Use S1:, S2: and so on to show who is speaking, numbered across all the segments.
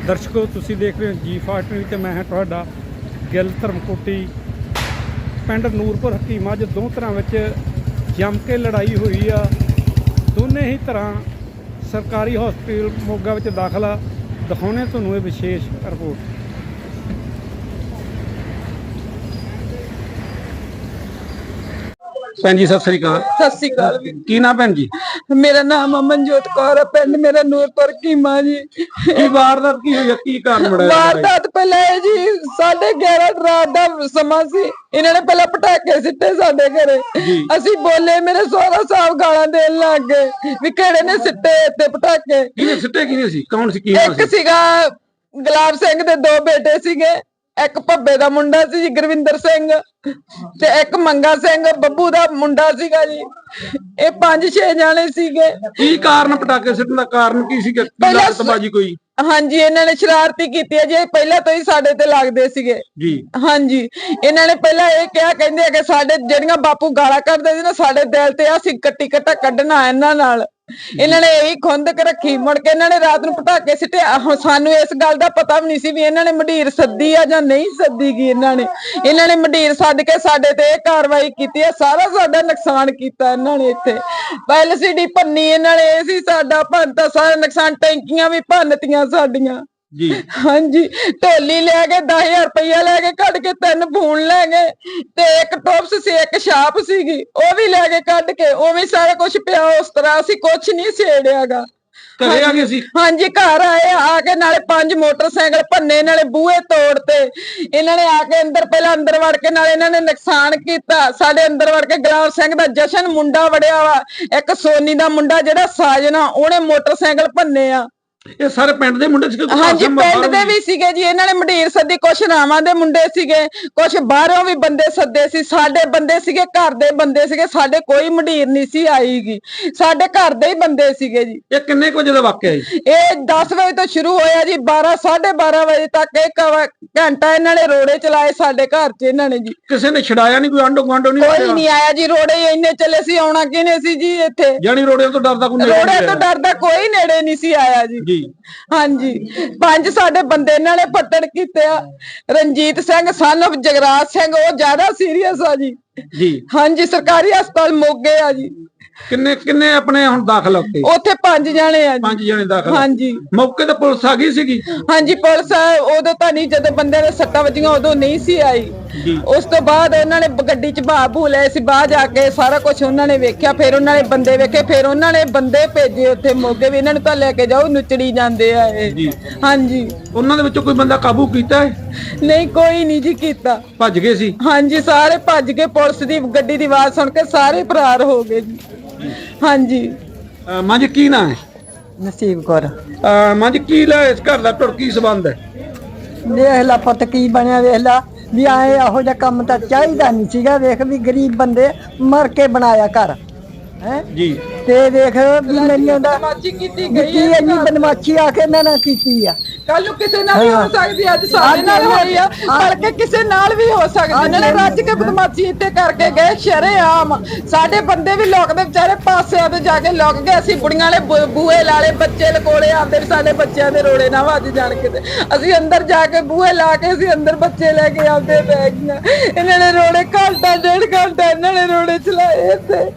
S1: ਦਰਸ਼ਕੋ ਤੁਸੀਂ ਦੇਖ ਰਹੇ ਹੋ ਜੀ5 ਨਿਊਜ਼ ਤੇ ਮੈਂ ਹਾਂ ਤੁਹਾਡਾ ਗਿੱਲ ਧਰਮਕੋਟੀ। ਪਿੰਡ ਨੂਰਪੁਰ ਹਕੀਮਾਂ 'ਚ ਦੋ ਧਿਰਾਂ ਵਿੱਚ ਜੰਮ ਕੇ ਲੜਾਈ ਹੋਈ ਆ। ਦੋਨੇ ਹੀ ਧਿਰਾਂ ਸਰਕਾਰੀ ਹਸਪਤਾਲ ਮੋਗਾ ਵਿੱਚ ਦਾਖਲ ਆ। ਦਿਖਾਉਣੇ ਤੁਹਾਨੂੰ ਇਹ ਵਿਸ਼ੇਸ਼ ਰਿਪੋਰਟ। ਭੈਣ ਜੀ ਸਤਿ ਸ੍ਰੀ ਅਕਾਲ।
S2: ਸਤਿ ਸ੍ਰੀ ਅਕਾਲ ਵੀ।
S1: ਕੀ ਨਾਮ ਭੈਣ ਜੀ?
S2: ਮੇਰਾ ਨਾਮ ਅਮਨਜੋਤ ਕੌਰ ਹੈ, ਪਿੰਡ ਮੇਰਾ ਨੂਰਪੁਰ ਹਕੀਮਾਂ ਜੀ।
S1: ਕੀ ਵਾਰਦਾਤ ਕੀ ਹੋਈ? ਕੀ ਕਾਰਨ ਬਣਿਆ?
S2: ਵਾਰਦਾਤ ਪਹਿਲਾਂ ਇਹ ਜੀ 11:30 ਰਾਤ ਦਾ ਸਮਾਂ ਸੀ। ਇਹਨਾਂ ਨੇ ਪਹਿਲਾਂ ਪਟਾਕੇ ਸਿੱਟੇ ਸਾਡੇ ਘਰੇ। ਅਸੀਂ ਬੋਲੇ, ਮੇਰੇ ਸਹੁਰਾ ਸਾਹਿਬ ਗਾਲਾਂ ਦੇਣ ਲੱਗ ਗਏ ਵੀ ਕਿਹੜੇ ਨੇ ਸਿੱਟੇ ਇੱਥੇ ਪਟਾਕੇ।
S1: ਕਿਹਨੇ ਸਿੱਟੇ? ਕਿਹਨੇ ਸੀ? ਕੌਣ ਸੀ? ਕੀ
S2: ਇੱਕ ਸੀਗਾ ਗੁਲਾਬ ਸਿੰਘ ਦੇ ਦੋ ਬੇਟੇ ਸੀਗੇ, ਇੱਕ ਭੱਬੇ ਦਾ ਮੁੰਡਾ ਸੀ ਜੀ ਗੁਰਵਿੰਦਰ ਸਿੰਘ, ਤੇ ਇੱਕ ਮੰਗਾ ਸਿੰਘ ਬੱਬੂ ਦਾ ਮੁੰਡਾ ਸੀਗਾ ਜੀ। ਇਹ 5-6 ਜਾਣੇ ਸੀਗੇ।
S1: ਕੀ ਕਾਰਨ ਪਟਾਕੇ ਸਿੱਟਣ ਦਾ ਕਾਰਨ ਕੀ ਸੀ? ਲਾਗਤਬਾਜੀ ਕੋਈ?
S2: ਹਾਂਜੀ, ਇਹਨਾਂ ਨੇ ਸ਼ਰਾਰਤੀ ਕੀਤੀ ਹੈ ਜੀ। ਪਹਿਲਾਂ ਤੋਂ ਹੀ ਸਾਡੇ ਤੇ ਲੱਗਦੇ ਸੀਗੇ
S1: ਜੀ।
S2: ਹਾਂਜੀ, ਇਹਨਾਂ ਨੇ ਪਹਿਲਾਂ ਇਹ ਕਿਹਾ, ਕਹਿੰਦੇ ਆ ਕਿ ਸਾਡੇ ਜਿਹੜੀਆਂ ਬਾਪੂ ਗਾਲਾਂ ਕੱਢਦੇ ਸੀ ਨਾ, ਸਾਡੇ ਦਿਲ ਤੇ ਅਸੀਂ ਕੱਟੀ ਕੱਟਾ ਕੱਢਣਾ ਇਹਨਾਂ ਨਾਲ। ਇਹਨਾਂ ਨੇ ਇਹੀ ਖੁੰਦਕ ਰੱਖੀ। ਮੁੜ ਕੇ ਇਹਨਾਂ ਨੇ ਰਾਤ ਨੂੰ ਪਟਾਕੇ ਸਿੱਟੇ। ਸਾਨੂੰ ਇਸ ਗੱਲ ਦਾ ਪਤਾ ਵੀ ਨਹੀਂ ਸੀ ਵੀ ਇਹਨਾਂ ਨੇ ਮੰਡੀਰ ਸੱਦੀ ਆ ਜਾਂ ਨਹੀਂ ਸੱਦੀ ਗਈ। ਇਹਨਾਂ ਨੇ ਮੰਡੀਰ ਸੱਦ ਕੇ ਸਾਡੇ ਤੇ ਇਹ ਕਾਰਵਾਈ ਕੀਤੀ ਹੈ। ਸਾਰਾ ਸਾਡਾ ਨੁਕਸਾਨ ਕੀਤਾ ਇਹਨਾਂ ਨੇ। ਇੱਥੇ LCD ਭੰਨੀ ਇਹਨਾਂ ਨੇ। ਇਹ ਸੀ ਸਾਡਾ ਭੰਨਤਾ ਸਾਰਾ ਨੁਕਸਾਨ। ਟੈਂਕੀਆਂ ਵੀ ਭੰਨਤੀਆਂ ਸਾਡੀਆਂ ਜੀ। ਹਾਂਜੀ, ਢੋਲੀ ਲੈ ਗਏ, 10,000 ਰੁਪਇਆ ਲੈ ਕੇ ਕੱਢ ਕੇ, 3 ਫੋਨ ਲੈ ਗਏ, ਤੇ ਇੱਕ ਟੋਪਸ ਸੀ, ਇੱਕ ਛਾਪ ਸੀਗੀ, ਉਹ ਵੀ ਲੈ ਕੇ ਕੱਢ ਕੇ। ਉਵੇਂ ਸਾਰਾ ਕੁਛ ਪਿਆ ਉਸ ਤਰ੍ਹਾਂ। ਅਸੀਂ ਕੁਛ ਨਹੀਂ ਛੇੜਿਆਗਾ।
S1: ਘਰੇ ਆ ਗਏ ਸੀ? ਹਾਂਜੀ,
S2: ਘਰ ਆਏ। ਆ ਕੇ ਨਾਲੇ 5 ਮੋਟਰਸਾਈਕਲ ਭੰਨੇ, ਨਾਲੇ ਬੂਹੇ ਤੋੜਤੇ। ਇਹਨਾਂ ਨੇ ਆ ਕੇ ਪਹਿਲਾਂ ਅੰਦਰ ਵੜ ਕੇ ਨਾਲੇ ਇਹਨਾਂ ਨੇ ਨੁਕਸਾਨ ਕੀਤਾ। ਸਾਡੇ ਅੰਦਰ ਵੜ ਕੇ ਗੁਲਾਬ ਸਿੰਘ ਦਾ ਜਸ਼ਨ ਮੁੰਡਾ ਵੜਿਆ ਵਾ, ਇੱਕ ਸੋਨੀ ਦਾ ਮੁੰਡਾ ਜਿਹੜਾ ਸਾਜਨਾ, ਉਹਨੇ ਮੋਟਰਸਾਈਕਲ ਭੰਨੇ ਆ।
S1: ਇਹ ਸਾਰੇ ਪਿੰਡ ਦੇ ਮੁੰਡੇ ਸੀਗੇ?
S2: ਹਾਂਜੀ, ਪਿੰਡ ਦੇ ਵੀ ਸੀਗੇ ਜੀ। ਇਹਨਾਂ ਨੇ ਮੰਡੀਰ ਸੱਦੀ, ਕੁਛ ਰਾਵਾਂ ਦੇ ਮੁੰਡੇ ਸੀਗੇ, ਕੁਛ ਬਾਹਰੋਂ ਵੀ ਬੰਦੇ ਸੱਦੇ ਸੀ। ਸਾਡੇ ਬੰਦੇ ਸੀਗੇ, ਘਰ ਦੇ ਬੰਦੇ ਸੀਗੇ। ਸਾਡੇ ਕੋਈ ਮੰਡੀਰ ਨਹੀਂ ਸੀ ਆਈਗੀ, ਸਾਡੇ ਘਰ ਦੇ ਹੀ ਬੰਦੇ ਸੀਗੇ ਜੀ।
S1: ਇਹ ਕਿੰਨੇ ਕੁ ਵਜੇ ਦਾ ਵਾਕਿਆ ਜੀ?
S2: ਇਹ 10 ਵਜੇ ਤੋਂ ਸ਼ੁਰੂ ਹੋਇਆ ਜੀ, 12-12:30 ਵਜੇ ਤੱਕ। 1 ਘੰਟਾ ਇਹਨਾਂ ਨੇ ਰੋੜੇ ਚਲਾਏ ਸਾਡੇ ਘਰ 'ਚ। ਇਹਨਾਂ ਨੇ ਜੀ
S1: ਕਿਸੇ ਨੇ ਛਡਾਇਆ ਨਹੀਂ? ਕੋਈ ਆਂਢੋ ਗੁਆਂਢੋ ਨਹੀਂ?
S2: ਕੋਈ ਨਹੀਂ ਆਇਆ ਜੀ। ਰੋੜੇ ਹੀ ਇੰਨੇ ਚੱਲੇ ਸੀ, ਆਉਣਾ ਕਿਹਨੇ ਸੀ ਜੀ ਇੱਥੇ?
S1: ਜਾਨੀ ਰੋੜਿਆਂ ਤੋਂ ਡਰਦਾ ਕੋਈ?
S2: ਰੋੜੇ ਤੋਂ ਡਰਦਾ ਕੋਈ ਨੇੜੇ ਨਹੀਂ ਸੀ ਆਇਆ ਜੀ। ਹਾਂਜੀ, 5 ਸਾਡੇ ਬੰਦੇ ਇਹਨਾਂ ਨੇ ਪੱਟਣ ਕੀਤੇ ਆ। ਰਣਜੀਤ ਸਿੰਘ son of ਜਗਰਾਜ ਸਿੰਘ, ਉਹ ਜ਼ਿਆਦਾ ਸੀਰੀਅਸ ਆ ਜੀ। ਹਾਂਜੀ, ਸਰਕਾਰੀ ਹਸਪਤਾਲ ਮੋਗੇ ਆ ਜੀ।
S1: ਕਿੰਨੇ ਆਪਣੇ ਹੁਣ ਦਾਖਲ
S2: ਉੱਥੇ 5 ਜਾਣੇ ਆ ਜੀ।
S1: 5 ਜਾਣੇ ਦਾਖਲ?
S2: ਹਾਂਜੀ।
S1: ਮੌਕੇ ਤੇ ਪੁਲਿਸ ਆ ਗਈ ਸੀਗੀ?
S2: ਹਾਂਜੀ, ਪੁਲਿਸ ਉਦੋਂ ਤਾਂ ਨਹੀਂ, ਜਦੋਂ ਬੰਦੇ ਦੇ ਸੱਟਾਂ ਵੱਜੀਆਂ ਉਦੋਂ ਨਹੀਂ ਸੀ ਆਈ। ਉਸ ਤੋਂ ਬਾਅਦ ਉਹਨਾਂ ਨੇ ਗੱਡੀ 'ਚ ਬਾਬੂ ਲਏ ਸੀ। ਬਾਹਰ ਜਾ ਕੇ ਸਾਰਾ ਕੁਝ ਉਹਨਾਂ ਨੇ ਵੇਖਿਆ, ਫਿਰ ਉਹਨਾਂ ਨੇ ਬੰਦੇ ਵੇਖੇ, ਫਿਰ ਉਹਨਾਂ ਨੇ ਬੰਦੇ ਭੇਜੇ ਉੱਥੇ ਮੋਗੇ ਵੀ। ਇਹਨਾਂ ਨੂੰ ਤਾਂ ਲੈ ਕੇ ਜਾਓ, ਨੁਚੜੀ ਜਾਂਦੇ ਆ ਇਹ। ਹਾਂਜੀ। ਉਹਨਾਂ ਦੇ ਵਿੱਚੋਂ ਕੋਈ ਬੰਦਾ ਕਾਬੂ ਕੀਤਾ ਹੈ? ਨਹੀਂ, ਕੋਈ ਨਹੀਂ ਜੀ ਕੀਤਾ। ਭੱਜ ਗਏ ਸੀ? ਹਾਂਜੀ, ਸਾਰੇ ਭੱਜ ਗਏ। ਪੁਲਿਸ ਦੀ ਗੱਡੀ ਦੀ ਆਵਾਜ਼ ਸੁਣ ਕੇ ਸਾਰੇ ਫਰਾਰ ਹੋ ਗਏ ਜੀ। ਹਾਂਜੀ।
S1: ਮਾਂ ਜੀ ਕੀ ਨਾਂ ਹੈ?
S2: ਨਸੀਬ ਕੌਰ।
S1: ਮਾਂ ਜੀ ਕੀ ਲੈ ਇਸ ਘਰ ਦਾ ਟੁਰ ਕੀ ਸੰਬੰਧ ਹੈ?
S2: ਵੇਖ ਲਾ ਪੁੱਤ ਕੀ ਬਣਿਆ। ਵੇਖ ਲਾ ਵੀ ਆਏ ਇਹੋ ਜਿਹਾ ਕੰਮ ਤਾਂ ਚਾਹੀਦਾ ਨਹੀਂ ਸੀਗਾ। ਵੇਖ ਵੀ ਗਰੀਬ ਬੰਦੇ ਮਰ ਕੇ ਬਣਾਇਆ ਘਰ ਹੈ ਜੀ। ਤੇ ਵੇਖ ਵੀ ਮੇਰੀ ਉਹਦਾ ਬਦਮਾਸ਼ੀ ਕੀਤੀ ਗਈ ਹੈ। ਇੰਨੀ ਬਦਮਾਸ਼ੀ ਆ ਕੇ ਇਹਨਾਂ ਨਾਲ ਕੀਤੀ ਆ। ਕੱਲ ਨੂੰ ਕਿਸੇ ਨਾਲ ਵੀ ਹੋ ਸਕਦੀ, ਅੱਜ ਸਾਡੇ ਨਾਲ ਹੋਈ ਆ, ਕਰਕੇ ਕਿਸੇ ਨਾਲ ਵੀ ਹੋ ਸਕਦੀ। ਇਹਨਾਂ ਨੇ ਰੱਜ ਕੇ ਬਦਮਾਸ਼ੀ ਇੱਥੇ ਕਰਕੇ ਗਏ ਸ਼ਰੇਆਮ। ਸਾਡੇ ਬੰਦੇ ਵੀ ਲੋਕ ਦੇ ਵਿਚਾਰੇ ਪਾਸਿਆਂ ਤੇ ਜਾ ਕੇ ਲੁਕ ਗਏ। ਅਸੀਂ ਬੁੜੀਆਂ ਵਾਲੇ ਬੂਹੇ ਲਾਲੇ, ਬੱਚੇ ਲਕੋਲੇ ਆਉਂਦੇ, ਸਾਡੇ ਬੱਚਿਆਂ ਦੇ ਰੋੜੇ ਨਾ ਵੱਜ ਜਾਣ ਕਿਤੇ। ਅਸੀਂ ਅੰਦਰ ਜਾ ਕੇ ਬੂਹੇ ਲਾ ਕੇ ਅਸੀਂ ਅੰਦਰ ਬੱਚੇ ਲੈ ਕੇ ਆਉਂਦੇ ਪੈ ਗਈਆਂ। ਇਹਨਾਂ ਨੇ ਰੋੜੇ ਘੰਟਾ 1.5 ਘੰਟਾ ਇਹਨਾਂ ਨੇ ਰੋੜੇ ਚਲਾਏ ਇੱਥੇ।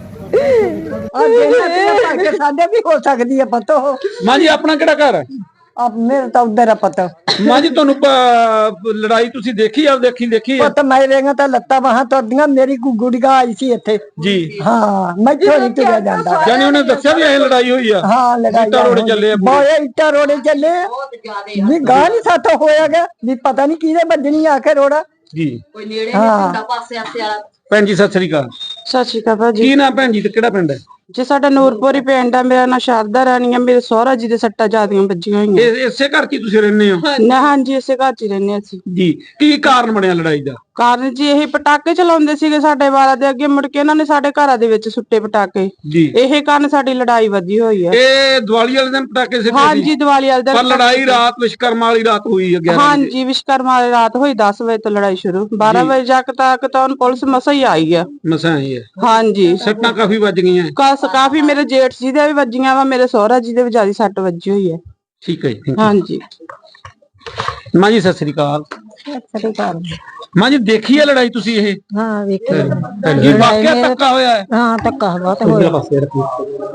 S2: ਸਾਡੇ ਵੀ ਹੋ ਸਕਦੀ ਹੈ ਪਤਾ।
S1: ਮਾਂ ਜੀ ਆਪਣਾ ਕਿਹੜਾ ਘਰ ਹੈ?
S2: ਮੇਰਾ ਤਾਂ ਉਧਰ ਆ ਪਤਾ।
S1: ਮਾਂ ਜੀ ਤੁਹਾਨੂੰ ਲੜਾਈ ਤੁਸੀਂ ਦੇਖੀ ਆ? ਦੇਖੀ
S2: ਪਤਾ ਮੇਰੇ ਤਾਂ ਲੱਤਾਂ ਬਾਹਾਂ ਤੁਰਦੀਆਂ। ਮੇਰੀ ਗੁੱਡੀਆਂ ਆਈ ਸੀ ਇੱਥੇ ਜੀ। ਹਾਂ, ਮੈਂ ਥੋੜੀ ਤੁਰਿਆ ਜਾਂਦਾ।
S1: ਜਾਨੀ ਉਹਨੇ ਦੱਸਿਆ ਵੀ ਇਹ ਲੜਾਈ ਹੋਈ ਆ? ਹਾਂ, ਲੜਾਈ ਰੋੜੇ ਚੱਲੇ ਆ,
S2: ਬਹੁਤ ਇੱਟਾਂ ਰੋੜੇ ਚੱਲੇ ਵੀ। ਗਾਹ ਨਹੀਂ ਸਾਥੋਂ ਹੋਇਆ ਗਿਆ ਵੀ, ਪਤਾ ਨਹੀਂ ਕਿਹਦੇ ਵੱਜਣੀ ਆ ਕੇ ਰੋੜਾ ਜੀ। ਕੋਈ ਨੇੜੇ ਨਹੀਂ ਹੁੰਦਾ ਪਾਸੇ ਆਸੇ ਵਾਲਾ। ਭੈਣ ਜੀ ਸਤਿ ਸ੍ਰੀ ਅਕਾਲ। ਸਤਿ ਸ੍ਰੀ ਅਕਾਲ ਭਾਜੀ। ਕੀ ਨਾਮ ਭੈਣ ਜੀ ਤੇ ਕਿਹੜਾ ਪਿੰਡ ਹੈ? ਜੀ ਸਾਡਾ ਨੂਰਪੁਰ ਹੀ ਪਿੰਡ ਆ। ਮੇਰਾ ਨਾਂ ਸ਼ਾਰਦਾ ਰਾਣੀ ਆ। ਮੇਰੇ ਸਹੁਰਾ ਜੀ ਦੇ ਸੱਟਾਂ ਜ਼ਿਆਦੀਆਂ ਵੱਜੀਆਂ ਹੋਈਆਂ। ਇਸੇ ਘਰ 'ਚ ਤੁਸੀਂ ਰਹਿੰਦੇ ਹੋ? ਹਾਂਜੀ, ਇਸੇ ਘਰ 'ਚ ਹੀ ਰਹਿੰਦੇ ਅਸੀਂ ਜੀ। ਕੀ ਕਾਰਨ ਬਣਿਆ ਲੜਾਈ ਦਾ? ਕਾਰਨ ਜੀ ਇਹ ਪਟਾਕੇ ਚਲਾਉਂਦੇ ਸੀਗੇ ਸਾਡੇ ਵਾਲਾ ਦੇ ਅੱਗੇ। ਮੁੜ ਕੇ ਇਹਨਾਂ ਨੇ ਸਾਡੇ ਘਰਾਂ ਦੇ ਵਿੱਚ ਸੁੱਟੇ ਪਟਾਕੇ ਜੀ। ਇਹ ਕਾਰਨ ਸਾਡੀ ਲੜਾਈ ਵਧੀ ਹੋਈ ਹੈ। ਇਹ ਦੀਵਾਲੀ ਵਾਲੇ ਦਿਨ ਪਟਾਕੇ ਸਿੱਟੇ? ਹਾਂਜੀ, ਦੀਵਾਲੀ ਵਾਲੇ ਦਿਨ। ਪਰ ਲੜਾਈ ਰਾਤ ਵਿਸ਼ਕਰਮਾ ਵਾਲੀ ਰਾਤ ਹੋਈ ਹੈ? ਹਾਂਜੀ, ਵਿਸ਼ਕਰਮਾ ਵਾਲੀ ਰਾਤ ਹੋਈ। 10 ਵਜੇ ਤੋਂ ਲੜਾਈ ਸ਼ੁਰੂ, 12 ਵਜੇ ਤੱਕ ਤਾਂ ਪੁਲਿਸ ਮਸਾਂ ਹੀ ਆਈ ਆ। ਮਸਾਂ ਆਈ ਹੈ? ਹਾਂਜੀ। ਸੱਟਾਂ ਕਾਫੀ ਵੱਜ ਗਈਆਂ? ਕਾਫੀ। ਮੇਰੇ ਜੇਠ ਜੀ ਦੇ ਵੀ ਵੱਜੀਆਂ ਵਾ, ਮੇਰੇ ਸਹੁਰਾ ਜੀ ਦੇ ਵੀ ਜ਼ਿਆਦਾ ਸੱਟ ਵੱਜੀ ਹੋਈ ਹੈ। ਠੀਕ ਹੈ ਜੀ। ਹਾਂਜੀ। ਮਾਂ ਜੀ ਸਤਿ ਸ੍ਰੀ ਅਕਾਲ।
S3: ਸਤਿ ਸ੍ਰੀ ਅਕਾਲ।
S2: ਮਾਂ ਜੀ ਦੇਖੀ ਹੈ ਲੜਾਈ ਤੁਸੀਂ ਇਹ?
S3: ਹਾਂ ਵੇਖੀ।
S2: ਕੀ ਵਾਕਿਆ ਧੱਕਾ ਹੋਇਆ ਹੈ?
S3: ਹਾਂ ਧੱਕਾ ਬਹੁਤ ਹੋਇਆ।